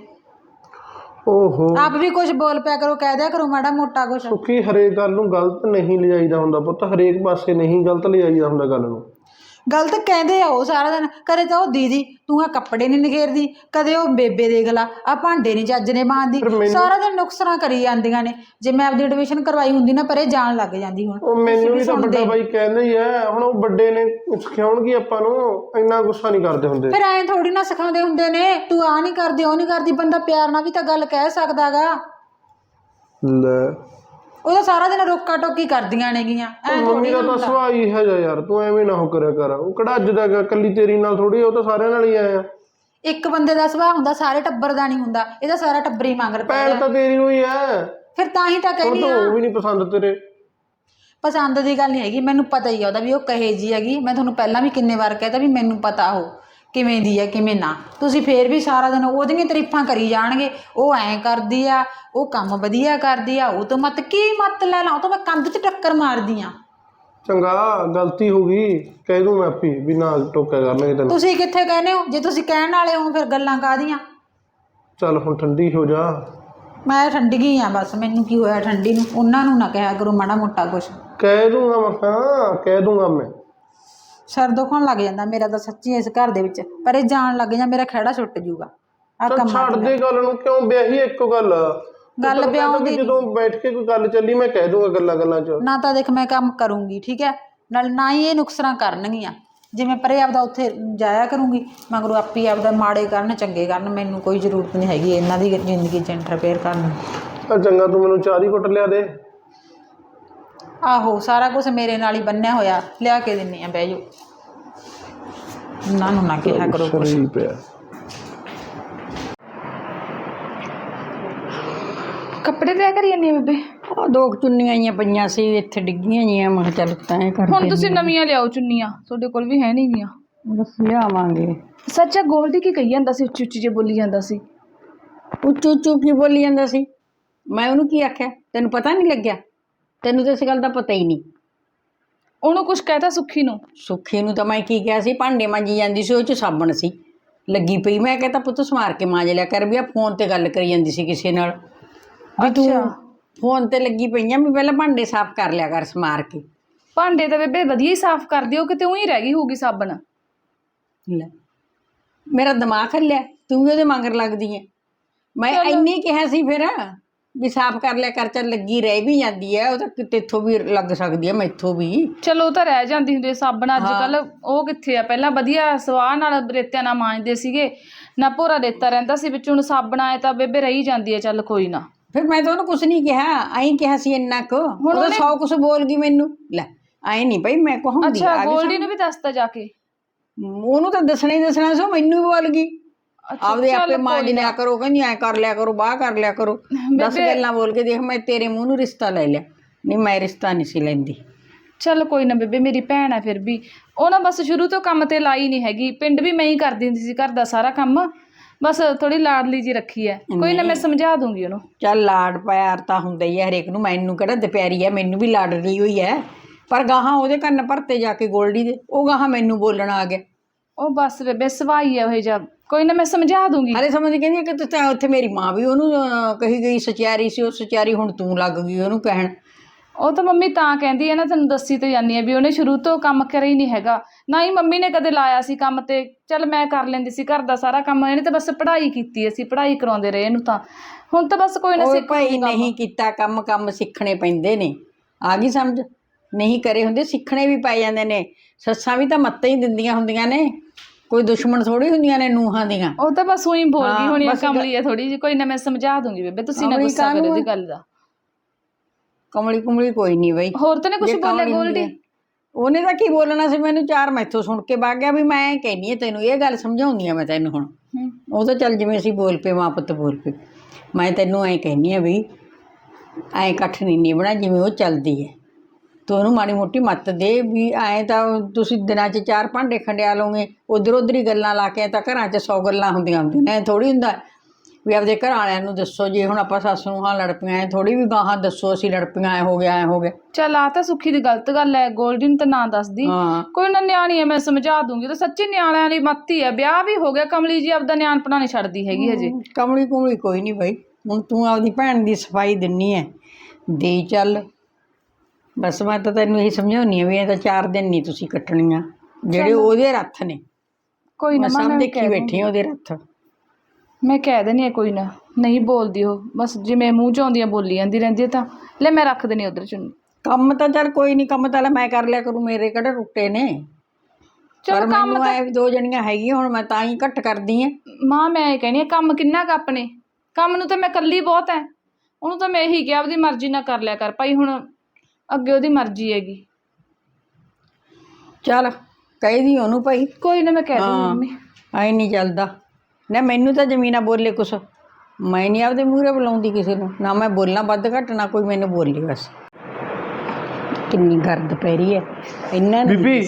S5: ਓਹੋ
S3: ਆਪ ਵੀ ਕੁਝ ਬੋਲ ਪਿਆ ਕਰੋ, ਕਹਿ ਦਿਆ ਕਰੋ ਮਾੜਾ ਮੋਟਾ ਕੁਛ।
S5: ਸੁਖੀ ਹਰੇਕ ਗੱਲ ਨੂੰ ਗਲਤ ਨਹੀਂ ਲਿਜਾਈਦਾ ਹੁੰਦਾ ਪੁੱਤ, ਹਰੇਕ ਪਾਸੇ ਨਹੀਂ ਗਲਤ ਲਿਜਾਈਦਾ ਹੁੰਦਾ ਗੱਲ ਨੂੰ।
S3: ਗਲਤ ਕਹਿੰਦੇ ਆ ਉਹ ਸਾਰਾ ਦਿਨ, ਕਦੇ ਤਾਂ ਉਹ ਦੀਦੀ ਤੂੰ ਆ ਕੱਪੜੇ ਨਹੀਂ ਨਿਖੇਰਦੀ, ਕਦੇ ਉਹ ਬੇਬੇ ਦੇਖ ਲਾ ਆ ਭਾਂਡੇ ਨਹੀਂ ਚੱਜ ਨੇ ਮਾਂਜਦੀ, ਸਾਰਾ ਦਿਨ ਨੁਕਸਾਨਾਂ ਕਰੀ ਜਾਂਦੀਆਂ ਨੇ। ਜੇ ਮੈਂ ਆਪਦੀ ਐਡਮਿਸ਼ਨ ਕਰਵਾਈ ਹੁੰਦੀ ਨਾ ਪਰੇ ਜਾਣ ਲੱਗ ਜਾਂਦੀ। ਹੁਣ
S5: ਉਹ ਮੈਨੂੰ ਵੀ ਤਾਂ ਵੱਡਾ ਬਾਈ ਕਹਿੰਦਾ ਹੀ ਹੈ, ਹੁਣ ਉਹ ਵੱਡੇ ਨੇ ਸਿਖਾਉਣਗੇ ਆਪਾਂ ਨੂੰ, ਇੰਨਾ ਗੁੱਸਾ ਨਹੀਂ ਕਰਦੇ ਹੁੰਦੇ।
S3: ਫਿਰ ਐਂ ਥੋੜੀ ਨਾ ਸਿਖਾਉਂਦੇ ਹੁੰਦੇ ਨੇ, ਤੂੰ ਆ ਨਹੀਂ ਕਰਦੀ ਉਹ ਨਹੀਂ ਕਰਦੀ, ਬੰਦਾ ਪਿਆਰ ਨਾਲ ਵੀ ਤਾਂ ਗੱਲ ਕਹਿ ਸਕਦਾ ਗਾ।
S5: ਲੈ
S3: ਉਹ ਤਾਂ ਸਾਰਾ ਦਿਨ ਰੋਕਾ ਟੋਕੀ ਕਰਦੀਆਂ ਨੇਗੀਆਂ।
S5: ਮੰਮੀ ਦਾ ਤਾਂ ਸੁਭਾਅ ਹੀ ਹੈ ਯਾਰ, ਤੂੰ ਐਵੇਂ ਨਾ ਹੋ ਕਰਿਆ ਕਰ। ਉਹ ਕਿਹੜਾ ਅੱਜ ਦਾ ਗਾ, ਕੱਲੀ ਤੇਰੀ ਨਾਲ ਥੋੜੀ, ਉਹ ਤਾਂ ਸਾਰਿਆਂ ਨਾਲ ਹੀ ਆਇਆ।
S3: ਇੱਕ ਬੰਦੇ ਦਾ ਸੁਭਾਅ ਹੁੰਦਾ, ਸਾਰੇ ਟੱਬਰ ਦਾ ਨਹੀਂ ਹੁੰਦਾ। ਇਹਦਾ ਸਾਰਾ ਟੱਬਰ ਹੀ ਮੰਗਰ ਪਿਆ।
S5: ਭੈਣ ਤਾਂ ਤੇਰੀ ਹੋਈ ਹੈ,
S3: ਫਿਰ ਤਾਂ ਹੀ ਤਾਂ ਕਹਿੰਦੀ ਆ,
S5: ਉਹ ਵੀ ਨਹੀਂ ਪਸੰਦ ਤੇਰੇ।
S3: ਪਸੰਦ ਦੀ ਗੱਲ ਨਹੀਂ ਹੈਗੀ, ਮੈਨੂੰ ਪਤਾ ਹੀ ਆ ਉਹਦਾ ਵੀ ਉਹ ਕਹੇ ਜੀ ਹੈਗੀ। ਮੈਂ ਤੁਹਾਨੂੰ ਪਹਿਲਾਂ ਵੀ ਕਿੰਨੇ ਵਾਰ ਕਹਿਤਾ ਵੀ ਮੈਨੂੰ ਪਤਾ ਉਹ ਕਿਵੇਂ ਦੀ ਹੈ ਕਿਵੇਂ ਨਾ। ਤੁਸੀਂ ਫੇਰ ਵੀ ਸਾਰਾ ਦਿਨ ਉਹਦੀਆਂ ਤਾਰੀਫਾਂ ਕਰੀ ਜਾਣਗੇ, ਉਹ ਐਂ ਕਰਦੀ ਆ, ਉਹ ਕੰਮ ਵਧੀਆ ਕਰਦੀ ਆ, ਉਹ ਤੋਂ ਮੱਤ ਕੀ ਮੱਤ ਲੈ ਲਾ, ਉਹ ਤਾਂ ਮੈਂ ਕੰਧ 'ਚ ਟੱਕਰ ਮਾਰਦੀ ਆ।
S5: ਚੰਗਾ ਗਲਤੀ ਹੋ ਗਈ, ਕਹਿ ਦੂੰ ਮੈਂ ਆਪੀ ਵੀ ਨਾ ਟੋਕਿਆ ਕਰਨਗੇ ਤੈਨੂੰ।
S3: ਤੁਸੀਂ ਕਿੱਥੇ ਕਹਿੰਦੇ ਹੋ? ਜੇ ਤੁਸੀਂ ਕਹਿਣ ਵਾਲੇ ਹੋ ਫਿਰ ਗੱਲਾਂ ਕਾਹਦੀਆਂ।
S5: ਚੱਲ ਹੁਣ ਠੰਡੀ ਹੋ ਜਾ।
S3: ਮੈਂ ਠੰਡੀ ਗਈ ਆ ਬਸ, ਮੈਨੂੰ ਕੀ ਹੋਇਆ ਠੰਡੀ ਨੂੰ? ਉਹਨਾਂ ਨੂੰ ਨਾ ਕਿਹਾ ਕਰੋ ਮਾੜਾ ਮੋਟਾ ਕੁਛ।
S5: ਕਹਿ ਦੂੰਗਾ ਮੈਂ, ਹਾਂ ਕਹਿ ਦੂੰਗਾ ਮੈਂ।
S3: ਸਿਰ ਦੁਖਣ ਲੱਗ ਜਾਂਦਾ ਮੇਰਾ ਤਾਂ ਸੱਚੀ ਇਸ ਘਰ ਦੇ ਵਿੱਚ, ਪਰ ਇਹ ਜਾਣ ਲੱਗ ਜਾਂ ਮੇਰਾ ਖਹਿੜਾ ਛੁੱਟ ਜੂਗਾ। ਆ ਕੰਮ
S5: ਛੱਡ ਦੇ ਗੱਲ ਨੂੰ, ਕਿਉਂ ਵਿਆਹੀ ਇੱਕੋ ਗੱਲ
S3: ਗੱਲ ਵਿਆਹ ਦੀ
S5: ਜਦੋਂ ਬੈਠ ਕੇ ਕੋਈ ਗੱਲ ਚੱਲੀ ਮੈਂ ਕਹਿ ਦੂੰਗਾ ਗੱਲਾਂ ਗੱਲਾਂ 'ਚ।
S3: ਨਾ ਤਾਂ ਦੇਖ ਮੈਂ ਕੰਮ ਕਰੂੰਗੀ ਠੀਕ ਹੈ, ਨਾਲ ਨਾ ਹੀ ਇਹ ਨੁਕਸਾਨ ਕਰਨਗੀਆਂ। ਜਿਵੇਂ ਪਰੇ ਆਪਦਾ ਉੱਥੇ ਜਾਇਆ ਕਰੂੰਗੀ, ਮਗਰੋਂ ਆਪੀ ਆਪਦਾ ਮਾੜੇ ਕਰਨ ਚੰਗੇ ਕਰਨ, ਮੈਨੂੰ ਕੋਈ ਜ਼ਰੂਰਤ ਨਹੀਂ ਹੈਗੀ ਇਹਨਾਂ ਦੀ ਜ਼ਿੰਦਗੀ 'ਚ ਇੰਟਰਫੇਅਰ ਕਰਨ ਦੀ।
S5: ਤਾਂ ਚੰਗਾ ਤੂੰ ਮੈਨੂੰ ਚਾਹ ਦੀ ਘੁੱਟ ਲਿਆ ਦੇ।
S3: ਆਹੋ ਸਾਰਾ ਕੁਝ ਮੇਰੇ ਨਾਲ ਹੀ ਬੰਨਿਆ ਹੋਇਆ, ਲਿਆ ਕੇ ਦਿੰਨੀ ਆ, ਬਹਿ ਜਾਓ। ਉਹਨਾਂ ਨੂੰ ਨਾ ਕਿਹਾ ਕਰੋ ਕੁਛ।
S5: ਪਿਆ
S1: ਕੱਪੜੇ ਤੈਅ ਕਰੀ ਜਾਂਦੀ ਆ ਬੇਬੇ?
S2: ਆ ਦੋ ਕੁ ਚੁੰਨੀਆਂ ਆਈਆਂ ਪਈਆਂ ਸੀ ਇੱਥੇ ਡਿੱਗੀਆਂ ਜੀਆਂ, ਮੈਂ ਕਿਹਾ ਚੱਲ ਤਾਂ ਇਹ ਕਰ
S1: ਹੁਣ ਤੁਸੀਂ ਨਵੀਆਂ ਲਿਆਓ ਚੁੰਨੀਆਂ, ਤੁਹਾਡੇ ਕੋਲ ਵੀ ਹੈ ਨਹੀਂ ਗੀਆਂ।
S2: ਬਸ ਲਿਆਵਾਂਗੇ।
S1: ਸੱਚਾ ਗੋਲਡੀ ਕੀ ਕਹੀ ਜਾਂਦਾ ਸੀ, ਉੱਚੀ ਉੱਚੀ ਜੇ ਬੋਲੀ ਜਾਂਦਾ ਸੀ।
S2: ਉੱਚੂ ਉੱਚੂ ਕੀ ਬੋਲੀ ਜਾਂਦਾ ਸੀ? ਮੈਂ ਉਹਨੂੰ ਕੀ ਆਖਿਆ? ਤੈਨੂੰ ਪਤਾ ਨਹੀਂ ਲੱਗਿਆ? ਤੈਨੂੰ ਤਾਂ ਇਸ ਗੱਲ ਦਾ ਪਤਾ ਹੀ ਨਹੀਂ।
S1: ਉਹਨੂੰ ਕੁਛ ਕਹਿਤਾ ਸੁੱਖੀ ਨੂੰ?
S2: ਸੁੱਖੀ ਨੂੰ ਤਾਂ ਮੈਂ ਕੀ ਕਿਹਾ ਸੀ, ਭਾਂਡੇ ਮਾਂਜੀ ਜਾਂਦੀ ਸੀ, ਉਹ 'ਚ ਸਾਬਣ ਸੀ ਲੱਗੀ ਪਈ। ਮੈਂ ਕਹਿੰਦਾ ਪੁੱਤ ਸਮਾਰ ਕੇ ਮਾਂਜ ਲਿਆ ਕਰ, ਵੀ ਆ ਫੋਨ ਤੇ ਗੱਲ ਕਰੀ ਜਾਂਦੀ ਸੀ ਕਿਸੇ ਨਾਲ, ਵੀ ਤੂੰ ਫੋਨ ਤੇ ਲੱਗੀ ਪਈਆਂ, ਵੀ ਪਹਿਲਾਂ ਭਾਂਡੇ ਸਾਫ਼ ਕਰ ਲਿਆ ਕਰ ਸਮਾਰ ਕੇ।
S1: ਭਾਂਡੇ ਤਾਂ ਬੇਬੇ ਵਧੀਆ ਹੀ ਸਾਫ਼ ਕਰਦੀ, ਉਹ ਕਿਤੇ ਉਹੀ ਰਹਿ ਗਈ ਹੋਊਗੀ ਸਾਬਣ।
S2: ਲੈ ਮੇਰਾ ਦਿਮਾਗ ਹੱਲਿਆ, ਤੂੰ ਵੀ ਉਹਦੇ ਮਗਰ ਲੱਗਦੀ ਹੈ। ਮੈਂ ਇੰਨੀ ਕਿਹਾ ਸੀ ਫਿਰ ਵੀ ਸਾਫ਼ ਕਰ ਲਿਆ ਕਰ, ਚੱਲ ਲੱਗੀ ਰਹਿ ਵੀ ਜਾਂਦੀ ਹੈ, ਉਹ ਤਾਂ ਕਿਤੇ ਇੱਥੋਂ ਵੀ ਲੱਗ ਸਕਦੀ ਹੈ, ਮੈਥੋਂ ਵੀ।
S1: ਚਲੋ ਉਹ ਤਾਂ ਰਹਿ ਜਾਂਦੀ ਹੁੰਦੀ ਸਾਬਣ, ਅੱਜ ਕੱਲ ਉਹ ਕਿੱਥੇ ਆ। ਪਹਿਲਾਂ ਵਧੀਆ ਸਵਾਹ ਨਾਲ ਰੇਤਿਆਂ ਨਾਲ ਮਾਂਜਦੇ ਸੀਗੇ, ਨਾ ਭੋਰਾ ਰੇਤਾ ਰਹਿੰਦਾ ਸੀ ਵਿੱਚ। ਹੁਣ ਸਾਬਣ ਆਏ ਤਾਂ ਬੇਬੇ ਰਹੀ ਜਾਂਦੀ ਹੈ, ਚੱਲ ਕੋਈ ਨਾ।
S2: ਫਿਰ ਮੈਂ ਤਾਂ ਉਹਨੂੰ ਕੁਛ ਨਹੀਂ ਕਿਹਾ, ਐਂ ਕਿਹਾ ਸੀ ਇੰਨਾ ਕੁ। ਹੁਣ ਉਹ ਸੌ ਕੁਛ ਬੋਲ ਗਈ ਮੈਨੂੰ। ਲੈ ਐਂ ਨਹੀਂ ਭਾਈ ਮੈਂ ਕਹਾਂਗੀ।
S1: ਅੱਛਾ ਗੋਲਡੀ ਨੂੰ ਵੀ ਦੱਸਦਾ ਜਾ ਕੇ?
S2: ਉਹਨੂੰ ਤਾਂ ਦੱਸਣਾ ਹੀ ਦੱਸਣਾ ਸੀ, ਮੈਨੂੰ ਵੀ ਬੋਲ ਗਈ। ਆਪਦੇ ਆਪੇ ਮਾਂਜ ਲਿਆ ਕਰੋ, ਕਹਿੰਦੀ ਐਂ ਕਰ ਲਿਆ ਕਰੋ, ਬਾਹ ਕਰ ਲਿਆ ਕਰੋ। ਦਸ ਗੱਲਾਂ ਬੋਲ ਕੇ ਦੇਖ, ਮੈਂ ਤੇਰੇ ਮੂੰਹ ਨੂੰ ਰਿਸ਼ਤਾ ਲੈ ਲਿਆ। ਨਹੀਂ ਮੈਂ ਰਿਸ਼ਤਾ ਨਹੀਂ ਸੀ ਲੈਂਦੀ।
S1: ਚੱਲ ਕੋਈ ਨਾ ਬੇਬੇ, ਮੇਰੀ ਭੈਣ ਆ ਫਿਰ ਵੀ। ਉਹ ਨਾ ਬਸ ਸ਼ੁਰੂ ਤੋਂ ਕੰਮ ਤੇ ਲਾਈ ਨਹੀਂ ਹੈਗੀ, ਪਿੰਡ ਵੀ ਮੈਂ ਹੀ ਕਰਦੀ ਹੁੰਦੀ ਸੀ ਘਰ ਦਾ ਸਾਰਾ ਕੰਮ, ਬਸ ਥੋੜੀ ਲਾਡਲੀ ਜੀ ਰੱਖੀ ਹੈ। ਕੋਈ ਨਾ ਮੈਂ ਸਮਝਾ ਦੂੰਗੀ ਉਹਨੂੰ।
S2: ਚੱਲ ਲਾਡ ਪਿਆਰ ਤਾਂ ਹੁੰਦਾ ਹੀ ਹੈ ਹਰੇਕ ਨੂੰ, ਮੈਨੂੰ ਕਿਹੜਾ ਦੁਪਿਆਰੀ ਹੈ, ਮੈਨੂੰ ਵੀ ਲਾਡਲੀ ਹੋਈ ਹੈ। ਪਰ ਗਾਹਾਂ ਉਹਦੇ ਕੰਨ ਭਰਤੇ ਜਾ ਕੇ ਗੋਲਡੀ ਦੇ, ਉਹ ਗਾਹਾਂ ਮੈਨੂੰ ਬੋਲਣ ਆ ਗਿਆ।
S1: ਉਹ ਬਸ ਬੇਬੇ ਸਵਾਈ ਹੈ ਉਹ ਜਿਹਾ। ਕੋਈ ਨਾ ਮੈਂ ਸਮਝਾ ਦੂੰਗੀ।
S2: ਹਲੇ ਸਮਝ ਕਹਿੰਦੀ ਕਿ ਤੂੰ ਉੱਥੇ ਮੇਰੀ ਮਾਂ ਵੀ ਉਹਨੂੰ ਕਹੀ ਗਈ ਸਚਿਆਰੀ ਸੀ, ਉਹ ਸਚਿਆਰੀ ਹੁਣ ਤੂੰ ਲੱਗ ਗਈ ਉਹਨੂੰ ਕਹਿਣ।
S1: ਉਹ ਤਾਂ ਮੰਮੀ ਤਾਂ ਕਹਿੰਦੀ ਹੈ ਨਾ, ਤੈਨੂੰ ਦੱਸੀ ਤੇ ਜਾਂਦੀ ਹੈ ਵੀ ਉਹਨੇ ਸ਼ੁਰੂ ਤੋਂ ਕੰਮ ਕਰਿਆ ਹੀ ਨਹੀਂ ਹੈਗਾ, ਨਾ ਹੀ ਮੰਮੀ ਨੇ ਕਦੇ ਲਾਇਆ ਸੀ ਕੰਮ ਤੇ। ਚੱਲ ਮੈਂ ਕਰ ਲੈਂਦੀ ਸੀ ਘਰ ਦਾ ਸਾਰਾ ਕੰਮ, ਇਹਨੇ ਤਾਂ ਬਸ ਪੜ੍ਹਾਈ ਕੀਤੀ, ਅਸੀਂ ਪੜ੍ਹਾਈ ਕਰਾਉਂਦੇ ਰਹੇ ਇਹਨੂੰ। ਤਾਂ ਹੁਣ ਤਾਂ ਬਸ ਕੋਈ ਨਾ
S2: ਉਹ
S1: ਸਿੱਖ
S2: ਭਾਈ
S1: ਲੂਗੀ ਕੰਮ।
S2: ਨਹੀਂ ਕੀਤਾ ਕੰਮ, ਕੰਮ ਸਿੱਖਣੇ ਪੈਂਦੇ ਨੇ, ਆ ਗਈ ਸਮਝ? ਨਹੀਂ ਕਰੇ ਹੁੰਦੇ ਸਿੱਖਣੇ ਵੀ ਪੈ ਜਾਂਦੇ ਨੇ। ਸੱਸਾਂ ਵੀ ਤਾਂ ਮੱਤਾਂ ਹੀ ਦਿੰਦੀਆਂ ਹੁੰਦੀਆਂ ਨੇ, ਕੋਈ ਦੁਸ਼ਮਣ ਥੋੜੀ ਹੁੰਦੀਆਂ ਨੇ ਨੂੰਹਾਂ ਦੀਆਂ।
S1: ਉਹ ਤਾਂ ਬਸ ਉਹੀ ਬੋਲ ਗਈ
S2: ਹਾਂ,
S1: ਹੋਣੀ ਆ,
S2: ਬਸ
S1: ਕਮਲੀ ਹੈ ਥੋੜੀ ਜਿਹੀ। ਕੋਈ ਨਾ ਮੈਂ ਸਮਝਾ ਦੂੰਗੀ ਬੇਬੇ, ਤੁਸੀਂ ਨਾ
S2: ਕਮਲੀ
S1: ਗੁੱਸਾ ਕਰਿਓ
S2: ਕਾਹਨੂੰ
S1: ਉਹਦੀ
S2: ਆ?
S1: ਗੱਲ ਦਾ।
S2: ਕਮਲੀ ਕੁਮਲੀ ਕੋਈ ਨਹੀਂ ਬਈ।
S1: ਹੋਰ ਤਾਂ ਨਹੀਂ ਕੁਝ
S2: ਜੇ
S1: ਬੋਲਿਆ
S2: ਕਮਲੀ ਹੁੰਦੀ
S1: ਗੋਲਡੀ?
S2: ਹੈ। ਉਹਨੇ ਤਾਂ ਕੀ ਬੋਲਣਾ ਸੀ, ਮੈਨੂੰ ਚਾਰ ਮੈਥੋਂ ਸੁਣ ਕੇ ਵਗ ਗਿਆ ਵੀ ਮੈਂ ਕਹਿੰਦੀ ਆ ਤੈਨੂੰ ਇਹ ਗੱਲ ਸਮਝਾਉਂਦੀ ਆ ਮੈਂ ਤੈਨੂੰ ਹੁਣ। ਉਹ ਤਾਂ ਚੱਲ ਜਿਵੇਂ ਅਸੀਂ ਬੋਲ ਪਏ, ਮਾਂ ਪੁੱਤ ਬੋਲ ਪਏ। ਮੈਂ ਤੈਨੂੰ ਐਂ ਕਹਿੰਦੀ ਆ ਵੀ ਐਂ ਇਕੱਠ ਨਹੀਂ ਨਿਭਣਾ ਜਿਵੇਂ ਉਹ ਚੱਲਦੀ ਹੈ। ਤੂੰ ਉਹਨੂੰ ਮਾੜੀ ਮੋਟੀ ਮੱਤ ਦੇ ਵੀ ਐਂ ਤਾਂ ਤੁਸੀਂ ਦਿਨਾਂ 'ਚ ਚਾਰ ਭਾਂਡੇ ਖੰਡਿਆ ਲਓਗੇ, ਉੱਧਰ ਉੱਧਰ ਹੀ ਗੱਲਾਂ ਲਾ ਕੇ। ਤਾਂ ਘਰਾਂ 'ਚ ਸੌ ਗੱਲਾਂ ਹੁੰਦੀਆਂ ਹੁੰਦੀਆਂ ਨੇ, ਐਂ ਥੋੜ੍ਹੀ ਹੁੰਦਾ ਵੀ ਆਪਦੇ ਘਰ ਵਾਲਿਆਂ ਨੂੰ ਦੱਸੋ। ਜੇ ਹੁਣ ਆਪਾਂ ਸੱਸ ਨੂੰ ਹਾਂ ਲੜ ਪਈਆਂ, ਐਂ ਥੋੜ੍ਹੀ ਵੀ ਗਾਹਾਂ ਦੱਸੋ ਅਸੀਂ ਲੜ ਪਈਆਂ, ਐਂ ਹੋ ਗਿਆ ਐਂ ਹੋ ਗਿਆ।
S1: ਚੱਲ ਆ ਤਾਂ ਸੁੱਖੀ ਦੀ ਗਲਤ ਗੱਲ ਹੈ, ਗੋਲਡੀ ਨੂੰ ਤਾਂ ਨਾ ਦੱਸਦੀ।
S2: ਹਾਂ
S1: ਕੋਈ ਨਾ, ਨਿਆਣੀ ਹੈ, ਮੈਂ ਸਮਝਾ ਦੂੰਗੀ। ਤਾਂ ਸੱਚੀ ਨਿਆਣਿਆਂ ਦੀ ਮੱਤੀ ਹੈ, ਵਿਆਹ ਵੀ ਹੋ ਗਿਆ, ਕਮਲੀ ਜੀ ਆਪਦਾ ਨਿਆਣਪਣਾ ਨਹੀਂ ਛੱਡਦੀ ਹੈਗੀ ਹਜੇ।
S2: ਕਮਲੀ ਕੁਮਲੀ ਕੋਈ ਨਹੀਂ ਬਈ। ਹੁਣ ਤੂੰ ਆਪਦੀ ਭੈਣ ਦੀ ਸਫਾਈ ਦਿੰਨੀ ਹੈ, ਦੇ ਚੱਲ। ਬਸ ਮੈਂ ਤਾਂ ਤੈਨੂੰ ਇਹੀ ਸਮਝਾਉਂਦੀ ਹਾਂ ਵੀ ਇਹ ਤਾਂ ਚਾਰ ਦਿਨ ਨਹੀਂ ਤੁਸੀਂ ਕੱਟਣੀਆਂ, ਜਿਹੜੇ ਉਹਦੇ ਰੱਥ ਨੇ।
S1: ਕੋਈ ਨਾ
S2: ਮੈਂ
S1: ਮਾਂ,
S2: ਸਭ
S1: ਮੈਂ
S2: ਦੇਖੀ
S1: ਕਹਿ
S2: ਬੈਠੀ
S1: ਦੂੰਗੀ।
S2: ਹਾਂ ਉਹਦੇ ਰੱਥ।
S1: ਮੈਂ ਕਹਿ ਦੇਣੀ ਆ, ਕੋਈ ਨਾ, ਨਹੀਂ ਬੋਲਦੀ ਉਹ, ਬਸ ਜਿਵੇਂ ਮੂੰਹ 'ਚ ਆਉਂਦੀਆਂ ਬੋਲੀ ਜਾਂਦੀ ਰਹਿੰਦੀ ਹੈ। ਤਾਂ ਲੈ ਮੈਂ ਰੱਖ ਦੇਣੀ ਉਧਰ ਚੁੰਨੀ।
S2: ਕੰਮ ਤਾਂ ਚੱਲ ਕੋਈ ਨਹੀਂ, ਕੰਮ ਤਾਂ ਲੈ ਮੈਂ ਕਰ ਲਿਆ ਕਰੂੰ, ਮੇਰੇ ਕਿਹੜੇ ਟੁੱਟੇ ਨੇ।
S1: ਚਲੋ
S2: ਪਰ
S1: ਕੰਮ
S2: ਮੈਨੂੰ
S1: ਤਾਂ
S2: ਐ ਵੀ ਦੋ ਜਣੀਆਂ ਹੈਗੀਆਂ, ਹੁਣ ਮੈਂ ਤਾਂ ਹੀ ਘੱਟ ਕਰਦੀ ਹਾਂ।
S1: ਮਾਂ ਮੈਂ ਇਹ ਕਹਿਣੀ ਆ, ਕੰਮ ਕਿੰਨਾ ਕੁ ਆਪਣੇ ਕੰਮ ਨੂੰ ਤਾਂ ਮੈਂ ਇਕੱਲੀ ਬਹੁਤ ਹੈ। ਉਹਨੂੰ ਤਾਂ ਮੈਂ ਇਹੀ ਕਿਹਾ ਆਪਦੀ ਮਰਜ਼ੀ ਨਾਲ ਕਰ ਲਿਆ ਕਰ ਭਾਈ, ਹੁਣ ਅੱਗੇ ਉਹਦੀ ਮਰਜ਼ੀ ਹੈਗੀ।
S2: ਚੱਲ ਕਹਿਦੀ ਉਹਨੂੰ ਭਾਈ।
S1: ਕੋਈ ਨਾ, ਮੈਂ ਕਹਿ ਦੂੰਗੀ ਮੰਮੀ।
S2: ਐ ਨਹੀਂ ਚੱਲਦਾ ਨਾ, ਮੈਨੂੰ ਤਾਂ ਜ਼ਮੀਨਾਂ ਬੋਲੇ ਕੁਛ, ਮੈਂ ਨਹੀਂ ਆਪਦੇ ਮੂਹਰੇ ਬੁਲਾਉਂਦੀ ਕਿਸੇ ਨੂੰ, ਨਾ ਮੈਂ ਬੋਲਣਾ ਵੱਧ ਘੱਟ, ਨਾ ਕੋਈ ਮੈਨੂੰ ਬੋਲੇ। ਬਸ ਕਿੰਨੀ ਗਰਦ ਪੈ ਰਹੀ ਹੈ ਇਹਨਾਂ ਨੇ।
S5: ਬੀਬੀ।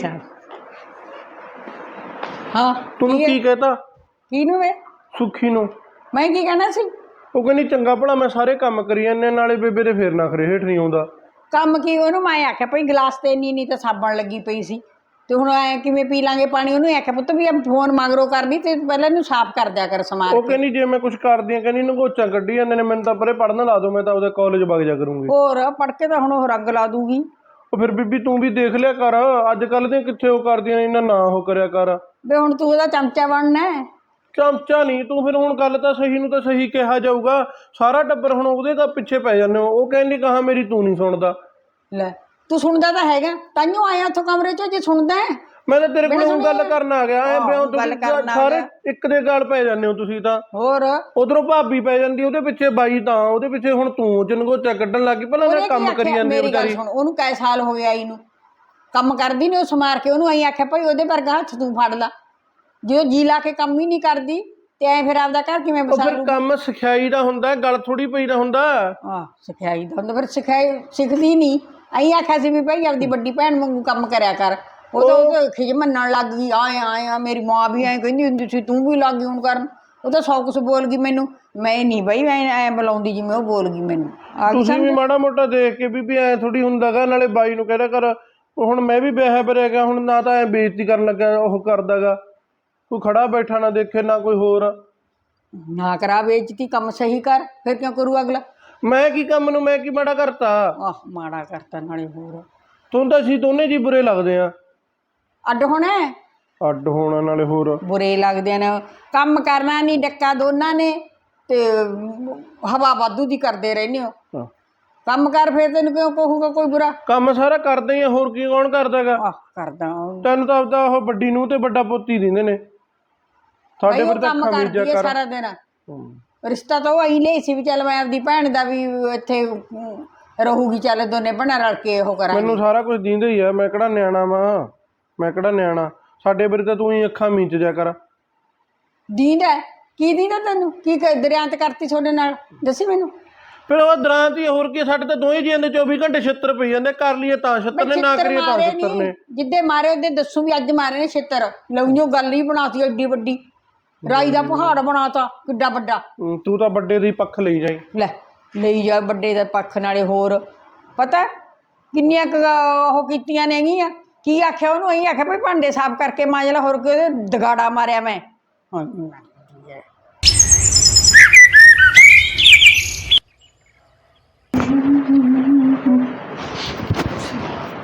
S2: ਹਾਂ
S5: ਤੂੰ ਕੀ ਕਹਤਾ?
S2: ਕਿਹਨੂੰ ਵੇ?
S5: ਸੁੱਖੀ ਨੂੰ।
S2: ਮੈਂ ਕੀ ਕਹਿਣਾ ਸੀ?
S5: ਉਹ ਕਹਿੰਦੀ ਚੰਗਾ ਭਲਾ ਮੈਂ ਸਾਰੇ ਕੰਮ ਕਰੀ ਜਾਂਦੇ, ਨਾਲੇ ਬੇਬੇ ਦੇ ਫੇਰ ਨਾ ਖਰੇ ਹੇਠ ਨਹੀਂ ਆਉਂਦਾ।
S2: ਕੰਮ ਕੀ? ਉਹਨੂੰ ਮੈਂ ਆਖਿਆ ਭਾਈ ਗਲਾਸ ਤੇ ਇੰਨੀ ਨਹੀਂ ਤਾਂ ਸਾਬਣ ਲੱਗੀ ਪਈ ਸੀ, ਤੇ ਹੁਣ ਐ ਕਿਵੇਂ ਪੀ ਲਾਂਗੇ ਪਾਣੀ? ਉਹਨੂੰ ਆਖਿਆ ਪੁੱਤ ਵੀ ਫੋਨ ਮਗਰੋਂ ਕਰਨੀ ਤੇ ਪਹਿਲਾਂ ਇਹਨੂੰ ਸਾਫ਼ ਕਰ ਦਿਆ ਕਰ ਸਮਾਨ।
S5: ਉਹ ਕਹਿੰਦੀ ਜੇ ਮੈਂ ਕੁਝ ਕਰਦੀ ਆ, ਕਹਿੰਦੀ ਨਗੋਚਾਂ ਕੱਢੀ ਜਾਂਦੇ ਨੇ, ਮੈਨੂੰ ਤਾਂ ਪਰੇ ਪੜ੍ਹਨ ਲਾ ਦੋ, ਮੈਂ ਤਾਂ ਉਹਦੇ ਕਾਲਜ ਵਗ ਜਾ ਕਰੂੰਗੀ।
S2: ਹੋਰ ਪੜ ਕੇ ਤਾਂ ਹੁਣ ਉਹ ਰੰਗ ਲਾ ਦੂਗੀ।
S5: ਉਹ ਫਿਰ ਬੀਬੀ ਤੂੰ ਵੀ ਦੇਖ ਲਿਆ ਕਰ, ਅੱਜ ਕੱਲ੍ਹ ਦੀਆਂ ਕਿੱਥੇ ਉਹ ਕਰਦੀਆਂ ਨੇ, ਇਹਨਾਂ ਨਾ ਉਹ ਕਰਿਆ ਕਰ।
S2: ਵੀ ਹੁਣ ਤੂੰ ਉਹਦਾ ਚਮਚਾ ਬਣਨਾ?
S5: ਚਮਚਾ ਨਹੀਂ ਤੂੰ, ਫਿਰ ਹੁਣ ਗੱਲ ਤਾਂ ਸਹੀ ਨੂੰ ਤਾਂ ਸਹੀ ਕਿਹਾ ਜਾਊਗਾ। ਸਾਰਾ ਟੱਬਰ ਹੁਣ ਉਹਦੇ ਤਾਂ ਪਿੱਛੇ ਪੈ ਜਾਂਦੇ ਹੋ। ਉਹ ਕਹਿੰਦੀ ਕਹਾ ਮੇਰੀ ਤੂੰ ਨਹੀਂ ਸੁਣਦਾ।
S2: ਲੈ ਤੂੰ ਸੁਣਦਾ ਤਾਂ ਹੈਗਾ, ਤਾਈਓ ਆਇਆ ਉੱਥੋਂ ਕਮਰੇ ਚੋਂ। ਜੇ ਸੁਣਦਾ
S5: ਮੈਂ ਤਾਂ ਤੇਰੇ ਕੋਲ ਹੁਣ ਗੱਲ ਕਰਨ ਆ ਗਿਆ। ਐ ਬਿਆਨ
S2: ਗੱਲ ਕਰਨ ਆ
S5: ਸਾਰੇ
S2: ਗਿਆ।
S5: ਇੱਕ ਦੇ ਗੱਲ ਪੈ ਜਾਂਦੇ ਹੋ ਤੁਸੀਂ ਤਾਂ।
S2: ਹੋਰ
S5: ਉਧਰੋਂ ਭਾਬੀ ਪੈ ਜਾਂਦੀ ਉਹਦੇ ਪਿੱਛੇ, ਬਾਈ ਤਾਂ ਉਹਦੇ ਪਿੱਛੇ, ਹੁਣ ਤੂੰ ਜਨਗੋਚਾ ਕੱਢਣ ਲੱਗੀ। ਪਹਿਲਾਂ
S2: ਉਹਨੇ
S5: ਉਹਨੇ
S2: ਕੀ
S5: ਕੰਮ ਕਰੀ
S2: ਆਖਿਆ?
S5: ਜਾਂਦੀ
S2: ਮੇਰੀ ਗੱਲ
S5: ਵਿਚਾਰੀ।
S2: ਸੁਣ, ਉਹਨੂੰ ਕਈ ਸਾਲ ਹੋ ਗਏ ਆਈ ਨੂੰ, ਕੰਮ ਕਰਦੀ ਨੇ ਉਹ ਸਮਾਰ ਕੇ। ਉਹਨੂੰ ਆਈ ਆਖਿਆ ਭਾਈ ਉਹਦੇ ਵਰਗਾ ਹੱਥ ਤੂੰ ਫੜ ਲਾ। ਜੇ ਉਹ ਜੀ ਲਾ ਕੇ ਕੰਮ ਹੀ ਨਹੀਂ ਕਰਦੀ ਤੇ ਐ ਫਿਰ ਆਪਦਾ ਘਰ ਕਿਵੇਂ
S5: ਉਹ
S2: ਬਸਾ
S5: ਫਿਰ
S2: ਲੂ?
S5: ਕੰਮ ਸਿਖਾਈ ਦਾ ਹੁੰਦਾ, ਗੱਲ ਥੋੜੀ ਪਈ ਦਾ ਹੁੰਦਾ।
S2: ਆਹ ਸਿਖਾਈ ਦਾ ਹੁੰਦਾ, ਫਿਰ ਸਿਖਾਈ ਸਿੱਖਦੀ ਨਹੀਂ। ਆਈ ਆਖਿਆ ਸੀ ਵੀ ਭਾਈ ਆਪਦੀ ਵੱਡੀ ਭੈਣ ਵਾਂਗੂ ਕੰਮ ਕਰਿਆ ਕਰ। ਉਹ ਤਾਂ ਉਹ ਖਿਜ ਮੰਨਣ ਲੱਗ ਗਈ। ਆਏ ਆਏ ਆ ਮੇਰੀ ਮਾਂ ਵੀ ਐਂ ਕਹਿੰਦੀ ਹੁੰਦੀ ਸੀ, ਤੂੰ ਵੀ ਲੱਗ ਗਈ ਹੁਣ ਕਰਨ। ਉਹ ਤਾਂ ਸੌ ਕੁਛ ਬੋਲ ਗਈ ਮੈਨੂੰ। ਮੈਂ ਨਹੀਂ ਬਈ ਐ ਐਂ ਬੁਲਾਉਂਦੀ ਜਿਵੇਂ ਉਹ ਬੋਲ ਗਈ ਮੈਨੂੰ। ਆ ਗਈ
S5: ਤੁਸੀਂ ਵੀ ਮਾੜਾ ਮੋਟਾ ਦੇਖ ਕੇ ਬੀਬੀ ਐ ਥੋੜੀ ਹੁੰਦਾਗਾ। ਨਾਲੇ ਬਾਈ ਨੂੰ ਕਹਿਦਾ ਕਰ, ਹੁਣ ਮੈਂ ਵੀ ਵਿਆਹਿਆ ਬਰਿਆ ਗਿਆ, ਹੁਣ ਨਾ ਤਾਂ ਐ ਬੇਇੱਜ਼ਤੀ ਕਰਨ ਲੱਗਾ ਉਹ ਕਰਦਾਗਾ। ਕੋਈ ਖੜਾ ਬੈਠਾ ਨਾ ਦੇਖੇ, ਨਾ ਕੋਈ ਹੋਰ।
S2: ਨਾ ਕਰਾ ਬੇਇੱਜ਼ਤੀ, ਕੰਮ ਸਹੀ ਕਰ, ਫਿਰ ਕਿਉਂ ਕਰੂ ਅਗਲਾ?
S5: ਮੈਂ ਕੀ ਕੰਮ ਨੂੰ ਮੈਂ ਕੀ ਮਾੜਾ ਕਰਤਾ?
S2: ਆਹ ਮਾੜਾ ਕਰਤਾ ਨਾਲੇ ਹੋਰ।
S5: ਤੁਹਾਨੂੰ ਤਾਂ ਅਸੀਂ ਦੋਨੇ ਜੀ ਬੁਰੇ ਲੱਗਦੇ ਆ।
S2: ਅੱਡ ਹੋਣਾ?
S5: ਅੱਡ ਹੋਣਾ ਨਾਲੇ ਹੋਰ।
S2: ਬੁਰੇ ਲੱਗਦੇ ਨੇ। ਕੰਮ ਕਰਨਾ ਨਹੀਂ, ਡੱਕਾ ਦੋਨਾਂ ਨੇ, ਤੇ ਹਵਾ ਵਾਧੂ ਦੀ ਕਰਦੇ ਰਹਿੰਦੇ ਹੋ।
S5: ਹਾਂ।
S2: ਕੰਮ ਕਰ, ਫਿਰ ਤੈਨੂੰ ਕਿਉਂ ਕਹੂਗਾ ਕੋਈ ਬੁਰਾ?
S5: ਕੰਮ ਸਾਰਾ ਕਰਦੇ ਹੀ ਆ, ਹੋਰ ਕੀ ਕੌਣ ਕਰਦਾਗਾ?
S2: ਆਹ ਕਰਦਾ
S5: ਤੈਨੂੰ ਤਾਂ ਆਪਦਾ ਉਹ ਵੱਡੀ ਨੂੰ ਤੇ ਵੱਡਾ ਪੋਤੀ ਦਿੰਦੇ ਨੇ। ਸਾਡੇ
S2: ਭਾਈ ਉਹ
S5: ਫਿਰ ਤਾਂ
S2: ਕੰਮ ਕਰਦੀ
S5: ਖਮੀਜਾ
S2: ਹੈ
S5: ਕਰ।
S2: ਸਾਰਾ ਦਿਨ। ਰਿਸ਼ਤਾ ਤਾਂ ਉਹ ਅਹੀਂ ਲਈ ਸੀ ਵੀ ਚੱਲ ਮੈਂ ਆਪਦੀ ਭੈਣ ਦਾ ਵੀ ਇੱਥੇ ਰਹੂਗੀ, ਚੱਲ ਦੋਨੇ ਭੈਣਾਂ ਰਲ ਕੇ ਉਹ ਕਰਾਂਗੇ।
S5: ਮੈਨੂੰ ਸਾਰਾ ਕੁਝ ਦਿੰਦੇ ਹੀ ਆ। ਮੈਂ ਕਿਹੜਾ ਨਿਆਣਾ ਵਾਂ? ਮੈਂ ਕਿਹੜਾ ਨਿਆਣਾ? ਸਾਡੇ ਬਾਰੇ ਤਾਂ ਤੂੰ ਹੀ ਅੱਖਾਂ ਮੀਚ ਜਾ ਕਰ।
S2: ਦੀਂਦਾ ਕੀ? ਦੀਂਦਾ ਤੈਨੂੰ ਕੀ? ਦਰਿਆਂਤ ਕਰਤੀ ਤੁਹਾਡੇ ਨਾਲ, ਦੱਸੀ ਮੈਨੂੰ।
S5: ਫਿਰ ਉਹ ਦਰਾਂ ਦੀ ਹੋਰ ਕੀ? ਸਾਡੇ ਤਾਂ ਦੋਵੇਂ ਜੀਆਂ ਦੇ ਚੌਵੀ ਘੰਟੇ ਛਿੱਤਰ ਪਈ ਜਾਂਦੇ। ਕਰ ਲਈਏ ਤਾਂ ਛਿੱਤਰ ਨੇ, ਨਾ ਕਰੀਏ ਤਾਂ ਛਿੱਤਰ ਨੇ।
S2: ਜਿੱਦੇ ਮਾਰੇ ਉਹਦੇ ਦੱਸੂ ਵੀ ਅੱਜ ਮਾਰੇ ਨੇ ਛਿੱਤਰ। ਲਊਂਓ ਗੱਲ ਹੀ ਬਣਾਤੀ ਐਡੀ ਵੱਡੀ, ਰਾਈ ਦਾ ਪਹਾੜ ਬਣਾਤਾ ਕਿੱਡਾ ਵੱਡਾ।
S5: ਹੂੰ, ਤੂੰ ਤਾਂ ਵੱਡੇ ਦੀ ਪੱਖ ਲਈ ਜਾਈ।
S2: ਲੈ ਲਈ ਜਾ ਵੱਡੇ ਦਾ ਪੱਖ। ਨਾਲੇ ਹੋਰ ਪਤਾ ਕਿੰਨੀਆਂ ਕੁ ਉਹ ਕੀਤੀਆਂ ਨੇਗੀਆਂ। ਕੀ ਆਖਿਆ ਉਹਨੂੰ? ਅਸੀਂ ਆਖਿਆ ਭਾਈ ਭਾਂਡੇ ਸਾਫ਼ ਕਰਕੇ ਮਾਂਜ ਲਾ, ਹੋਰ ਕਿ ਉਹਦੇ ਦਗਾੜਾ ਮਾਰਿਆ ਮੈਂ।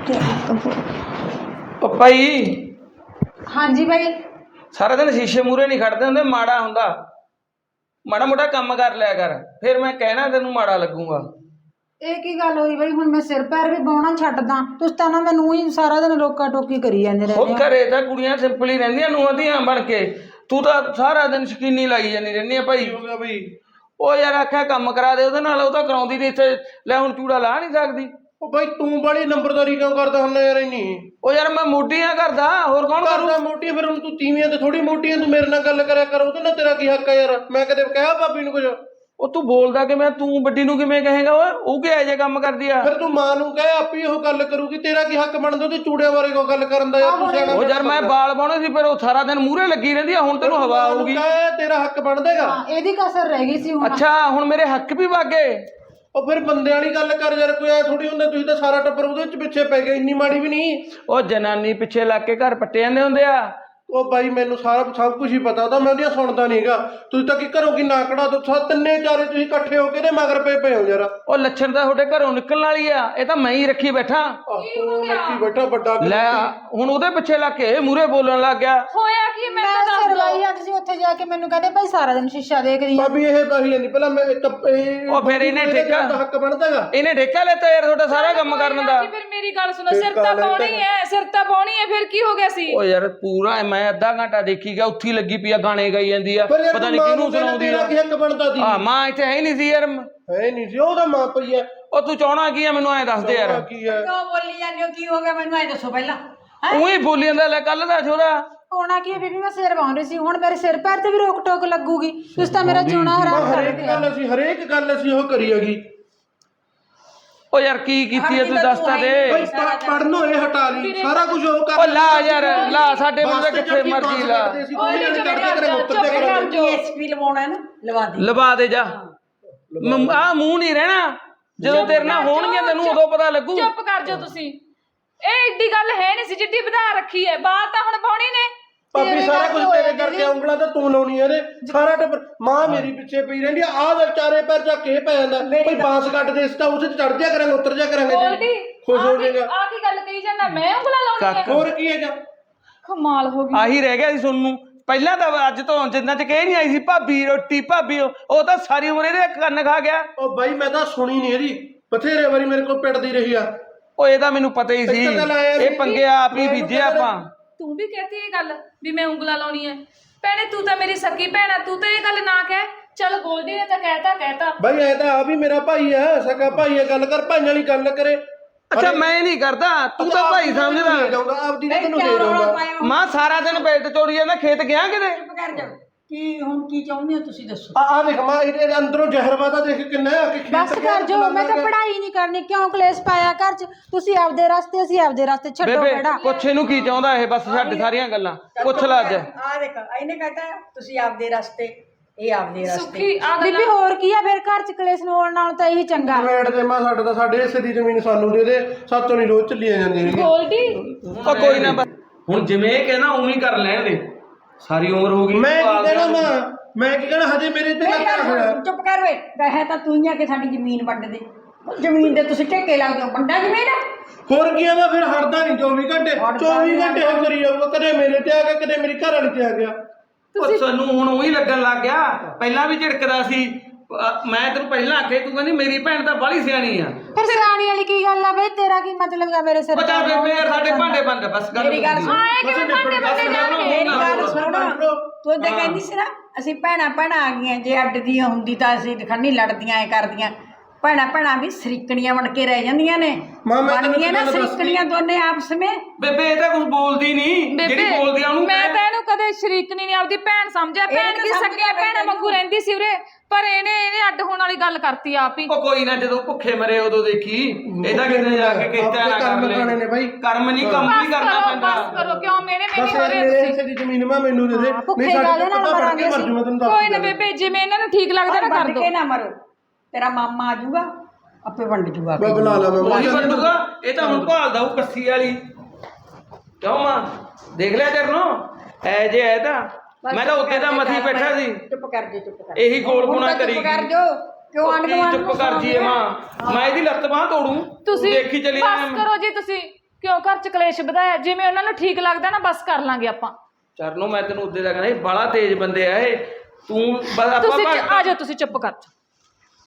S4: ਉਹ ਭਾਈ
S3: ਹਾਂਜੀ ਬਾਈ।
S4: ਸਾਰਾ ਦਿਨ ਸ਼ੀਸ਼ੇ ਮੂਹਰੇ ਨਹੀਂ ਖੜਦੇ ਹੁੰਦੇ, ਮਾੜਾ ਹੁੰਦਾ। ਮਾੜਾ ਮੋਟਾ ਕੰਮ ਕਰ ਲਿਆ ਕਰ, ਫਿਰ ਮੈਂ ਕਹਿਣਾ ਤੈਨੂੰ ਮਾੜਾ ਲੱਗੂਗਾ।
S3: ਇਹ ਕੀ ਗੱਲ ਹੋਈ ਬਈ, ਹੁਣ ਮੈਂ ਸਿਰ ਪੈਰ ਵੀ ਬਾਉਣਾ ਛੱਡਦਾ, ਤੁਸੀਂ ਤਾਂ ਨਾ ਮੈਨੂੰ ਹੀ ਸਾਰਾ ਦਿਨ ਰੋਕਾ ਟੋਕੀ ਕਰੀ ਜਾਂਦੇ
S4: ਉਹ
S3: ਰਹਿੰਦੇ ਹੋ।
S4: ਘਰੇ ਤਾਂ ਕੁੜੀਆਂ ਸਿੰਪਲ ਹੀ ਰਹਿੰਦੀਆਂ, ਨੂੰਹਾਂ ਧੀਆਂ ਬਣ ਕੇ। ਤੂੰ ਤਾਂ ਸਾਰਾ ਦਿਨ ਸ਼ਕੀਨੀ ਲਾਈ ਜਾਂਦੀ ਰਹਿੰਦੀ ਆ ਭਾਈ।
S5: ਹੋ ਗਿਆ ਬਈ?
S4: ਉਹ ਯਾਰ ਆਖਿਆ ਕੰਮ ਕਰਾ ਦੇ ਉਹਦੇ ਨਾਲ, ਉਹ ਤਾਂ ਕਰਾਉਂਦੀ ਨਹੀਂ। ਇੱਥੇ ਲੈ ਹੁਣ ਚੂੜਾ ਲਾ ਨਹੀਂ ਸਕਦੀ।
S5: ਉਹ ਬਾਈ ਤੂੰ ਬੜੀ ਨੰਬਰਦਾਰੀ ਕਿਉਂ ਕਰਦਾ ਹੁੰਦਾ ਯਾਰ ਇੰਨੀ?
S4: ਉਹ ਯਾਰ ਮੈਂ ਮੋਢੀਆਂ ਕਰਦਾ, ਹੋਰ ਕੌਣ ਕਰੂ?
S5: ਕਰਦਾ ਮੋਟੀ, ਫਿਰ ਹੁਣ ਤੂੰ ਤੀਵੀਆਂ ਤੇ ਥੋੜੀ ਮੋਟੀਆਂ, ਤੂੰ ਮੇਰੇ ਨਾਲ ਗੱਲ ਕਰਿਆ ਕਰ, ਉਹਦੇ ਨਾਲ ਤੇਰਾ ਕੀ ਹੱਕ ਹੈ ਯਾਰ? ਮੈਂ ਕਦੇ ਕਿਹਾ ਭਾਬੀ ਨੂੰ ਕੁਝ?
S4: ਉਹ ਤੂੰ ਬੋਲਦਾ ਕਿਵੇਂ? ਤੂੰ ਵੱਡੀ ਨੂੰ ਕਿਵੇਂ ਕਹੇਗਾ? ਓਏ ਉਹ ਕਿਹੋ ਜਿਹਾ ਕੰਮ ਕਰਦੀ ਆ?
S5: ਫਿਰ ਤੂੰ ਮਾਂ ਨੂੰ ਕਹੇ, ਆਪੇ ਉਹ ਗੱਲ ਕਰੂਗੀ। ਤੇਰਾ ਕੀ ਹੱਕ ਬਣਦਾ ਉਹਦੇ ਚੂੜਿਆਂ ਬਾਰੇ ਕੋਈ ਗੱਲ ਕਰਨ ਦਾ? ਯਾਰ ਤੂੰ ਸਿਆਣਾ।
S4: ਉਹ ਯਾਰ ਮੈਂ ਬਾਲ ਪਾਉਣੇ ਸੀ, ਫਿਰ ਉਹ ਸਾਰਾ ਦਿਨ ਮੂਹਰੇ ਲੱਗੀ ਰਹਿੰਦੀ ਆ। ਹੁਣ ਤੈਨੂੰ ਹਵਾ ਆਊਗੀ।
S5: ਕਹੇ ਤੇਰਾ ਹੱਕ ਬਣਦਾਗਾ।
S3: ਹਾਂ, ਇਹਦੀ ਕਸਰ ਰਹਿ ਗਈ ਸੀ ਹੁਣ।
S4: ਅੱਛਾ ਹੁਣ ਮੇਰੇ ਹੱਕ ਵੀ ਵਾਗੇ।
S5: ਉਹ ਫਿਰ ਬੰਦੇ ਵਾਲੀ ਗੱਲ ਕਰ ਯਾਰ, ਕੋਈ ਐ ਥੋੜੀ ਹੁੰਦਾ। ਤੁਸੀਂ ਤਾਂ ਸਾਰਾ ਟੱਬਰ ਉਹਦੇ ਵਿੱਚ ਪਿੱਛੇ ਪੈ ਗਏ, ਇੰਨੀ ਮਾੜੀ ਵੀ ਨਹੀਂ।
S4: ਉਹ ਜਨਾਨੀ ਪਿੱਛੇ ਲੱਗ ਕੇ ਘਰ ਪੱਟੇ ਜਾਂਦੇ ਹੁੰਦੇ ਆ।
S5: ਉਹ ਬਾਈ ਮੈਨੂੰ ਸਾਰਾ ਸਭ ਕੁਝ ਹੀ ਪਤਾ, ਤਾਂ ਮੈਂ ਉਹਦੀਆਂ ਸੁਣਦਾ ਨਹੀਂਗਾ। ਤੁਸੀਂ ਤਾਂ ਕੀ ਘਰੋਂ ਕੀ ਨਾ ਕਢਾ ਦੋ, ਤਿੰਨੇ ਚਾਰੇ ਤੁਸੀਂ ਇਕੱਠੇ ਹੋ ਕੇ ਤੇ ਮਗਰ ਪਏ ਪਏ ਹੋ ਯਾਰ।
S4: ਉਹ ਲੱਛਣ ਤਾਂ ਤੁਹਾਡੇ ਘਰੋਂ ਨਿਕਲਣ ਵਾਲੀ ਆ, ਇਹ ਤਾਂ ਮੈਂ ਹੀ ਰੱਖੀ ਬੈਠਾ।
S5: ਤੂੰ ਲੱਕੀ ਬੈਠਾ ਵੱਡਾ।
S4: ਲੈ ਹੁਣ ਉਹਦੇ ਪਿੱਛੇ ਲੱਗ ਕੇ ਮੂਹਰੇ ਬੋਲਣ ਲੱਗ ਗਿਆ।
S1: ਹੋਇਆ ਕੀ? ਮੈਂ
S3: ਮੈਂ
S1: ਤਾਂ ਦੱਸ
S3: ਸਿਰ
S1: ਦੋ।
S3: ਲਾਈ ਜਾਂਦੀ ਸੀ ਉੱਥੇ ਜਾ ਕੇ, ਮੈਨੂੰ ਕਹਿੰਦੇ ਭਾਈ ਸਾਰਾ ਦਿਨ ਸ਼ੀਸ਼ਾ ਦੇਖਦੀ ਆ।
S5: ਭਾਬੀ ਇਹ ਬਾਹੀ ਜਾਂਦੀ ਪਹਿਲਾਂ ਮੈਂ ਟੱਪ- ਇਹ
S4: ਉਹ ਫਿਰ ਇਹਨੇ ਠੇਕਾ
S5: ਹੱਕ ਬਣਦਾਗਾ।
S4: ਇਹਨੇ ਠੇਕਾ ਲੈਤਾ ਯਾਰ ਤੁਹਾਡਾ ਸਾਰਾ ਕੰਮ ਕਰਨ ਦਾ।
S1: ਫਿਰ ਮੇਰੀ ਗੱਲ ਸੁਣੋ, ਸਿਰ ਤਾਂ ਪਾਉਣੀ ਹੈ, ਸਿਰ ਤਾਂ ਪਾਉਣੀ ਹੈ, ਫਿਰ ਕੀ ਹੋ ਗਿਆ ਸੀ?
S4: ਉਹ ਯਾਰ ਪੂਰਾ ਮੈਂ ਅੱਧਾ ਘੰਟਾ ਦੇਖੀ ਗਿਆ, ਉੱਥੇ ਲੱਗੀ ਪਈ ਆ ਗਾਣੇ ਗਾਈ ਜਾਂਦੀ ਆ, ਪਤਾ ਨਹੀਂ ਕਿਹਨੂੰ ਸੁਣਾਉਂਦੀ ਆ।
S5: ਤੇਰਾ ਕੀ ਹੱਕ ਬਣਦਾ ਸੀ?
S4: ਆ ਮਾਂ ਇੱਥੇ ਹੈ ਹੀ ਨਹੀਂ ਸੀ ਯਾਰ।
S5: ਹੈ ਨਹੀਂ ਸੀ, ਉਹਦਾ ਮਾਂ ਪਈ ਐ।
S4: ਉਹ ਤੂੰ ਚਾਹਣਾ ਕੀ ਆ ਮੈਨੂੰ ਐ ਦੱਸ ਦੇ ਯਾਰ।
S5: ਕੀ ਹੈ?
S2: ਕਿਉਂ ਬੋਲੀ ਜਾਂਦੇ ਹੋ? ਕੀ ਹੋ ਗਿਆ ਮੈਨੂੰ ਐ ਦੱਸੋ ਪਹਿਲਾਂ।
S4: ਉਹੀ ਬੋਲੀ ਜਾਂਦਾ। ਲੈ ਕੱਲ ਦਾ ਛੋਰਾ
S3: ਹੋਣਾ ਕੀ ਹੈ ਬੀਬੀ, ਮੈਂ ਸਿਰ ਵਾਉਂ ਰਹੀ ਸੀ, ਹੁਣ ਮੇਰੇ ਸਿਰ ਪੈਰ ਤੇ ਵੀ ਰੋਕ ਟੋਕ ਲੱਗੂਗੀ। ਤੁਸੀਂ ਤਾਂ ਮੇਰਾ ਜਿਉਣਾ ਹਰਾਮ ਕਰ
S5: ਹਰੇਕ
S3: ਦਿੱਤਾ।
S5: ਗੱਲ ਅਸੀਂ ਹਰੇਕ ਗੱਲ ਅਸੀਂ ਉਹ ਕਰੀ ਹੈਗੀ।
S4: ਉਹ ਯਾਰ ਕੀ ਕੀਤੀ ਐ ਤੂੰ ਦੱਸ ਤਾਂ ਦੇ।
S5: ਬਈ ਪੜਨੋਂ ਇਹ ਹਟਾ ਲਈ, ਸਾਰਾ ਕੁਝ ਉਹ ਕਰ।
S4: ਉਹ ਲਾ ਯਾਰ ਲਾ, ਸਾਡੇ ਬੰਦੇ ਕਿੱਥੇ ਮਰਜੀ ਲਾ।
S2: ਡੀਐਸਪੀ ਲਵਾਉਣਾ ਨਾ, ਲਵਾ ਦੇ।
S4: ਲਵਾ ਦੇ ਜਾ। ਆ ਮੂੰਹ ਨਹੀਂ ਰਹਿਣਾ, ਜਦੋਂ ਤੇਰੇ ਨਾਲ ਹੋਣਗੀਆਂ ਤੈਨੂੰ ਉਦੋਂ ਪਤਾ ਲੱਗੂ।
S1: ਚੁੱਪ ਕਰ ਜਾਓ ਤੁਸੀਂ। ਇਹ ਏਡੀ ਗੱਲ ਹੈ ਨਹੀਂ ਸੀ ਜਿੱਡੀ ਵਧਾ ਰੱਖੀ ਹੈ। ਬਾਤ ਤਾਂ ਹੁਣ ਪਾਉਣੀ ਨੇ।
S5: ਭਾਬੀ ਸਾਰਾ ਕੁਝ ਤੇਰੇ ਕਰਕੇ, ਉਂਗਲਾਂ ਤਾਂ ਤੂੰ ਲਾਉਣੀ ਇਹਦੇ। ਸਾਰਾ ਟੱਬਰ ਮਾਂ ਮੇਰੀ ਪਿੱਛੇ ਪਈ ਰਹਿੰਦੀ ਆ। ਆਹ ਚਾਰੇ ਪੈਰ ਚੱਕ ਕੇ ਪੈ ਜਾਂਦਾ। ਕੋਈ ਬਾਂਸ ਕੱਟ ਦੇ, ਇਸ ਤਾਂ ਉਸ ਚ ਚੜ ਜਾ ਕਰਾਂਗੇ, ਉਤਰ ਜਾ ਕਰਾਂਗੇ।
S1: ਗੋਲਡੀ
S5: ਖੁਸ਼ ਹੋ ਜਾਏਗਾ।
S1: ਆ ਕੀ ਗੱਲ ਕਹੀ ਜਾਂਦਾ? ਮੈਂ ਉਂਗਲਾ ਲਾਉਣੀ ਹੈ?
S5: ਹੋਰ ਕੀ ਹੈਗਾ?
S1: ਕਮਾਲ ਹੋ ਗਈ।
S4: ਆਹੀ ਰਹਿ ਗਿਆ ਸੀ ਸੁਣਨ ਨੂੰ। ਪਹਿਲਾਂ ਤਾਂ ਅੱਜ ਤੋਂ ਜਿੰਨਾ ਚ ਕਹੇ ਨਹੀਂ ਆਈ ਸੀ ਭਾਬੀ ਰੋਟੀ ਭਾਬੀ, ਉਹ ਤਾਂ ਸਾਰੀ ਉਮਰ ਇਹਦੇ ਕੰਨ ਖਾ ਗਿਆ।
S5: ਉਹ ਬਾਈ ਮੈਂ ਤਾਂ ਸੁਣੀ ਨਹੀਂ ਇਹਦੀ, ਬਥੇਰੇ ਵਾਰੀ ਮੇਰੇ ਕੋਲ ਪਿੱਟਦੀ ਰਹੀ ਆ।
S4: ਉਹ ਇਹਦਾ ਮੈਨੂੰ ਪਤਾ ਹੀ ਸੀ, ਇਹ ਪੰਗੇ ਆਪ ਹੀ ਬੀਜੇ ਆਪਾਂ।
S1: ਤੂੰ ਵੀ ਕਹਤੀ ਇਹ ਗੱਲ ਵੀ ਮੈਂ ਉਂਗਲਾ ਲਾਉਣੀ ਹੈ? ਭੈਣੇ ਤੂੰ ਤਾਂ ਮੇਰੀ ਸਕੀ ਭੈਣ ਆ, ਤੂੰ ਤਾਂ ਇਹ ਗੱਲ ਨਾ ਕਹਿ। ਚੱਲ ਗੋਲਡੀ ਨੇ ਤਾਂ ਕਹਿਤਾ ਕਹਿਤਾ।
S5: ਬਾਈ ਐ ਤਾਂ ਆ ਵੀ ਮੇਰਾ ਭਾਈ ਹੈ, ਸਕਾ ਭਾਈ ਹੈ। ਗੱਲ ਕਰ, ਭਾਈਆਂ ਵਾਲੀ ਗੱਲ ਕਰੇ।
S4: ਅੱਛਾ ਮੈਂ ਨਹੀਂ ਕਰਦਾ, ਤੂੰ ਤਾਂ ਭਾਈ ਸਮਝਦਾ।
S5: ਆਪਦੀ ਨੇ ਤੈਨੂੰ ਦੇ ਦਊਂਗਾ।
S4: ਮਾਂ ਸਾਰਾ ਦਿਨ ਬੈਠ ਚੋਰੀ ਜਾਂਦਾ, ਖੇਤ ਗਿਆ ਕਿਤੇ?
S2: ਚੁੱਪ ਕਰ ਜਾ। ਕੀ ਹੁਣ ਕੀ ਚਾਹੁੰਦੇ ਹੋ ਤੁਸੀਂ ਦੱਸੋ?
S5: ਆ ਆ ਦੇਖ ਮਾਂ, ਇਹਦੇ ਅੰਦਰੋਂ ਜ਼ਹਿਰਵਾਦਾ ਦੇਖ ਕਿੰਨਾ ਹੈ ਕਿ
S3: ਬਸ ਕਰ ਜੋ, ਮੈਂ ਤਾਂ ਪੜ੍ਹਾਈ ਨਹੀਂ ਕਰਨੀ। ਕਿਉਂ ਕਲੇਸ਼ ਪਾਇਆ ਘਰ 'ਚ? ਤੁਸੀਂ ਆਪਦੇ ਰਸਤੇ, ਅਸੀਂ ਆਪਦੇ ਰਸਤੇ। ਛੱਡੋ
S4: ਬੇਬੇ
S3: ਕਿਹੜਾ।
S4: ਪੁੱਛ ਇਹਨੂੰ ਕੀ ਚਾਹੁੰਦਾ ਇਹ, ਬਸ ਛੱਡ ਸਾਰੀਆਂ ਗੱਲਾਂ, ਪੁੱਛ ਲੈ ਅੱਜ।
S2: ਆ ਦੇਖ ਇਹਨੇ ਕਹਤਾ ਤੁਸੀਂ ਆਪਦੇ ਰਸਤੇ, ਇਹ ਆਪਦੇ ਰਸਤੇ।
S1: ਸੁੱਖੀ ਆ ਗੱਲ
S3: ਬੀਬੀ ਹੋਰ ਕੀ ਆ ਫਿਰ? ਘਰ 'ਚ ਕਲੇਸ਼ ਹੋਣ ਨਾਲੋਂ ਤਾਂ ਇਹੀ ਚੰਗਾ।
S5: ਰੇਟ ਦੇ ਮਾਂ, ਸਾਡੇ ਤਾਂ ਸਾਡੇ ਹਿੱਸੇ ਦੀ ਜ਼ਮੀਨ ਸਾਨੂੰ ਦੇ ਦੇ, ਸਾਤੋਂ ਨਹੀਂ ਰੋਜ਼ ਚੱਲੀਆਂ ਜਾਂਦੀਆਂ ਨੇ।
S1: ਗੋਲਡੀ
S4: ਉਹ ਕੋਈ ਨਾ, ਹੁਣ ਜਿਵੇਂ ਇਹ ਕਹਿੰਦਾ ਉਵੇਂ ਹੀ ਕਰ ਲੈਣ ਦੇ। ਸਾਰੀ ਉਮਰ ਹੋ ਗਈ।
S5: ਮੈਂ ਕੀ ਕਹਿਣਾ ਮਾਂ, ਮੈਂ ਕੀ ਕਹਿਣਾ? ਹਜੇ ਮੇਰੇ ਤੇ
S2: ਮੇਰੀ ਗੱਲ
S5: ਲੱਗਾ ਹੋਇਆ।
S2: ਸੁਣ, ਚੁੱਪ ਕਰ ਵੇ। ਕਹੇ ਤਾਂ ਤੂੰ ਹੀ ਆ ਕਿ ਸਾਡੀ ਜ਼ਮੀਨ ਵੰਡ ਦੇ। ਜ਼ਮੀਨ ਦੇ ਤੁਸੀਂ ਠੇਕੇ ਲੱਗਦੇ ਹੋ, ਵੰਡਾ ਜ਼ਮੀਨ।
S5: ਹੋਰ ਕੀ ਆ ਮੈਂ ਫਿਰ ਹਟਦਾ ਨਹੀਂ ਚੌਵੀ ਘੰਟੇ ਚੌਵੀ ਘੰਟੇ ਉਹ ਕਰੀ ਜਾਊਗਾ। ਕਦੇ ਮੇਰੇ ਤੇ ਆ ਗਿਆ, ਕਦੇ ਮੇਰੀ ਘਰ ਵਾਲੀ ਤੇ ਆ ਗਿਆ।
S4: ਉਹ ਸਾਨੂੰ ਹੁਣ ਉਹੀ ਲੱਗਣ ਲੱਗ ਗਿਆ। ਪਹਿਲਾਂ ਵੀ ਝਿੜਕਦਾ ਸੀ। ਅਹ ਮੈਂ ਤੈਨੂੰ ਪਹਿਲਾਂ ਆਖੇ, ਤੂੰ ਕਹਿੰਦੀ ਮੇਰੀ ਭੈਣ ਤਾਂ ਬਾਹਲੀ ਸਿਆਣੀ ਆ।
S3: ਫਿਰ ਸਿਆਣੀ ਵਾਲੀ ਕੀ ਗੱਲ ਆ ਬਈ? ਤੇਰਾ ਕੀ ਮਤਲਬ ਆ ਮੇਰੇ ਸਿਰ ਤੇ?
S4: ਪਤਾ ਬੇਬੇ ਯਾਰ ਸਾਡੇ ਭਾਂਡੇ ਬੰਦ, ਬਸ ਗੱਲ
S2: ਮੇਰੀ ਗੱਲ ਸੁਣ।
S1: ਆਏ ਕਿਵੇਂ ਭਾਂਡੇ ਬੰਦੇ ਜਾਣਗੇ?
S2: ਮੇਰੀ ਗੱਲ ਸੁਣ, ਤੂੰ ਤਾਂ ਕਹਿੰਦੀ ਸੀ ਨਾ ਅਸੀਂ ਭੈਣਾਂ ਭੈਣਾਂ ਆ ਗਈਆਂ। ਜੇ ਅੱਡ ਦੀਆਂ ਹੁੰਦੀ ਤਾਂ ਅਸੀਂ ਦਿਖਾਨੀ ਲੜਦੀਆਂ ਐ ਕਰਦੀਆਂ। ਭੈਣਾਂ ਭੈਣਾਂ ਵੀ ਸਰੀਕਣੀਆਂ ਬਣ ਕੇ ਰਹਿ ਜਾਂਦੀਆਂ ਨੇ, ਬਣਦੀਆਂ ਨਾ ਸਰੀਕਣੀਆਂ ਦੋਨੇ ਆਪਸ ਵਿੱਚ।
S4: ਬੇਬੇ ਇਹ ਤਾਂ ਕੁਝ ਬੋਲਦੀ ਨਹੀਂ, ਜਿਹੜੀ ਬੋਲਦੀ ਆ ਉਹਨੂੰ
S1: ਮੈਂ ਤਾਂ ਇਹਨੂੰ ਕਦੇ ਸ਼ਰੀਕਣੀ ਨਹੀਂ, ਆਪਦੀ ਭੈਣ ਸਮਝਿਆ। ਭੈਣ ਕੀ ਸਕੀਆਂ ਭੈਣਾਂ ਵਾਂਗੂ ਰਹਿੰਦੀ ਸੀ ਉਰੇ, ਪਰ ਇਹਨੇ ਇਹਨੇ ਅੱਡ ਹੋਣ ਵਾਲੀ ਗੱਲ ਕਰਤੀ ਆਪ ਹੀ।
S4: ਉਹ ਕੋਈ ਨਾ, ਜਦੋਂ ਭੁੱਖੇ ਮਰੇ ਉਦੋਂ ਦੇਖੀ। ਇਹਦਾ ਕਿਤੇ ਜਾ ਕੇ ਕਿਤਾ ਨਾ ਕਰ ਲੈ। ਕਰਮ ਨਹੀਂ, ਕੰਮ ਵੀ ਕਰਨਾ ਪੈਂਦਾ।
S1: ਬਸ ਕਰੋ, ਕਿਉਂ ਮੇਰੇ
S5: ਬਸ
S1: ਮੇਰੇ ਹੋ ਰਹੇ
S5: ਮੇਰੇ
S1: ਤੁਸੀਂ?
S5: ਹਿੱਸੇ ਦੀ ਜ਼ਮੀਨ ਮੈਂ ਮੈਨੂੰ ਦੇ ਦੇ, ਨਹੀਂ ਸਾਡੇ ਤੋਂ ਪਤਾ ਪੜ ਕੇ ਮਰ ਜੂ। ਮੈਂ ਤੈਨੂੰ ਦੱਸ
S1: ਕੋਈ ਨਾ ਬੇਬੇ, ਜਿਵੇਂ ਇਹਨਾਂ ਨੂੰ ਠੀਕ ਲੱਗਦਾ ਨਾ ਕਰ ਦੋ।
S2: ਕੇ ਨਾ ਮਰੋ, ਤੇਰਾ ਮਾਮਾ ਆ ਜਾਊਗਾ, ਆਪੇ ਵੰਡ ਜੂਗਾ।
S5: ਮੈਂ ਬੁਲਾ ਲਾ ਮੈਂ
S4: ਉਹੀ ਵੰਡੂਗਾ। ਇਹ ਤਾਂ ਹੁਣ ਭਾਲਦਾ ਉਹ ਕੱਸੀ ਵਾਲੀ। ਕਿਉਂ ਮਾਂ ਦੇਖ ਲਿਆ ਤੇਰਨੋਂ ਐ ਜੇ ਐ ਤਾਂ ਮੈਂ ਤਾਂ ਉੱਤੇ ਤਾਂ ਮੱਥੀ ਬੈਠਾ ਸੀ।
S2: ਚੁੱਪ ਕਰ ਜੇ, ਚੁੱਪ ਕਰ।
S4: ਇਹੀ ਗੋਲ ਗੁਣਾ ਕਰੀ।
S2: ਚੁੱਪ ਕਰ ਜੋ, ਕਿਉਂ ਆਂਢ ਗੁਆਂਢ
S4: ਚੁੱਪ ਕਰ ਜੀਏ ਮਾਂ, ਮੈਂ ਇਹਦੀ ਲੱਤ ਬਾਹ ਤੋੜੂ।
S1: ਤੁਸੀਂ
S4: ਦੇਖੀ ਚਲੀ
S1: ਬਸ ਕਰੋ ਜੀ ਤੁਸੀਂ। ਕਿਉਂ ਘਰ 'ਚ ਕਲੇਸ਼ ਵਧਾਇਆ? ਜਿਵੇਂ ਉਹਨਾਂ ਨੂੰ ਠੀਕ ਲੱਗਦਾ ਨਾ ਬਸ ਕਰ ਲਾਂਗੇ ਆਪਾਂ।
S4: ਚਰਨੋਂ ਮੈਂ ਤੈਨੂੰ ਉੱਦੇ ਦਾ ਕਹਿੰਦਾ ਸੀ, ਬੜਾ ਤੇਜ਼ ਬੰਦੇ ਆ ਇਹ। ਤੂੰ ਬਸ ਆਪਾਂ
S1: ਤੁਸੀਂ
S4: ਭਗਤ-
S1: ਆ ਜਾਓ, ਤੁਸੀਂ ਚੁੱਪ ਕਰ ਜਾਓ।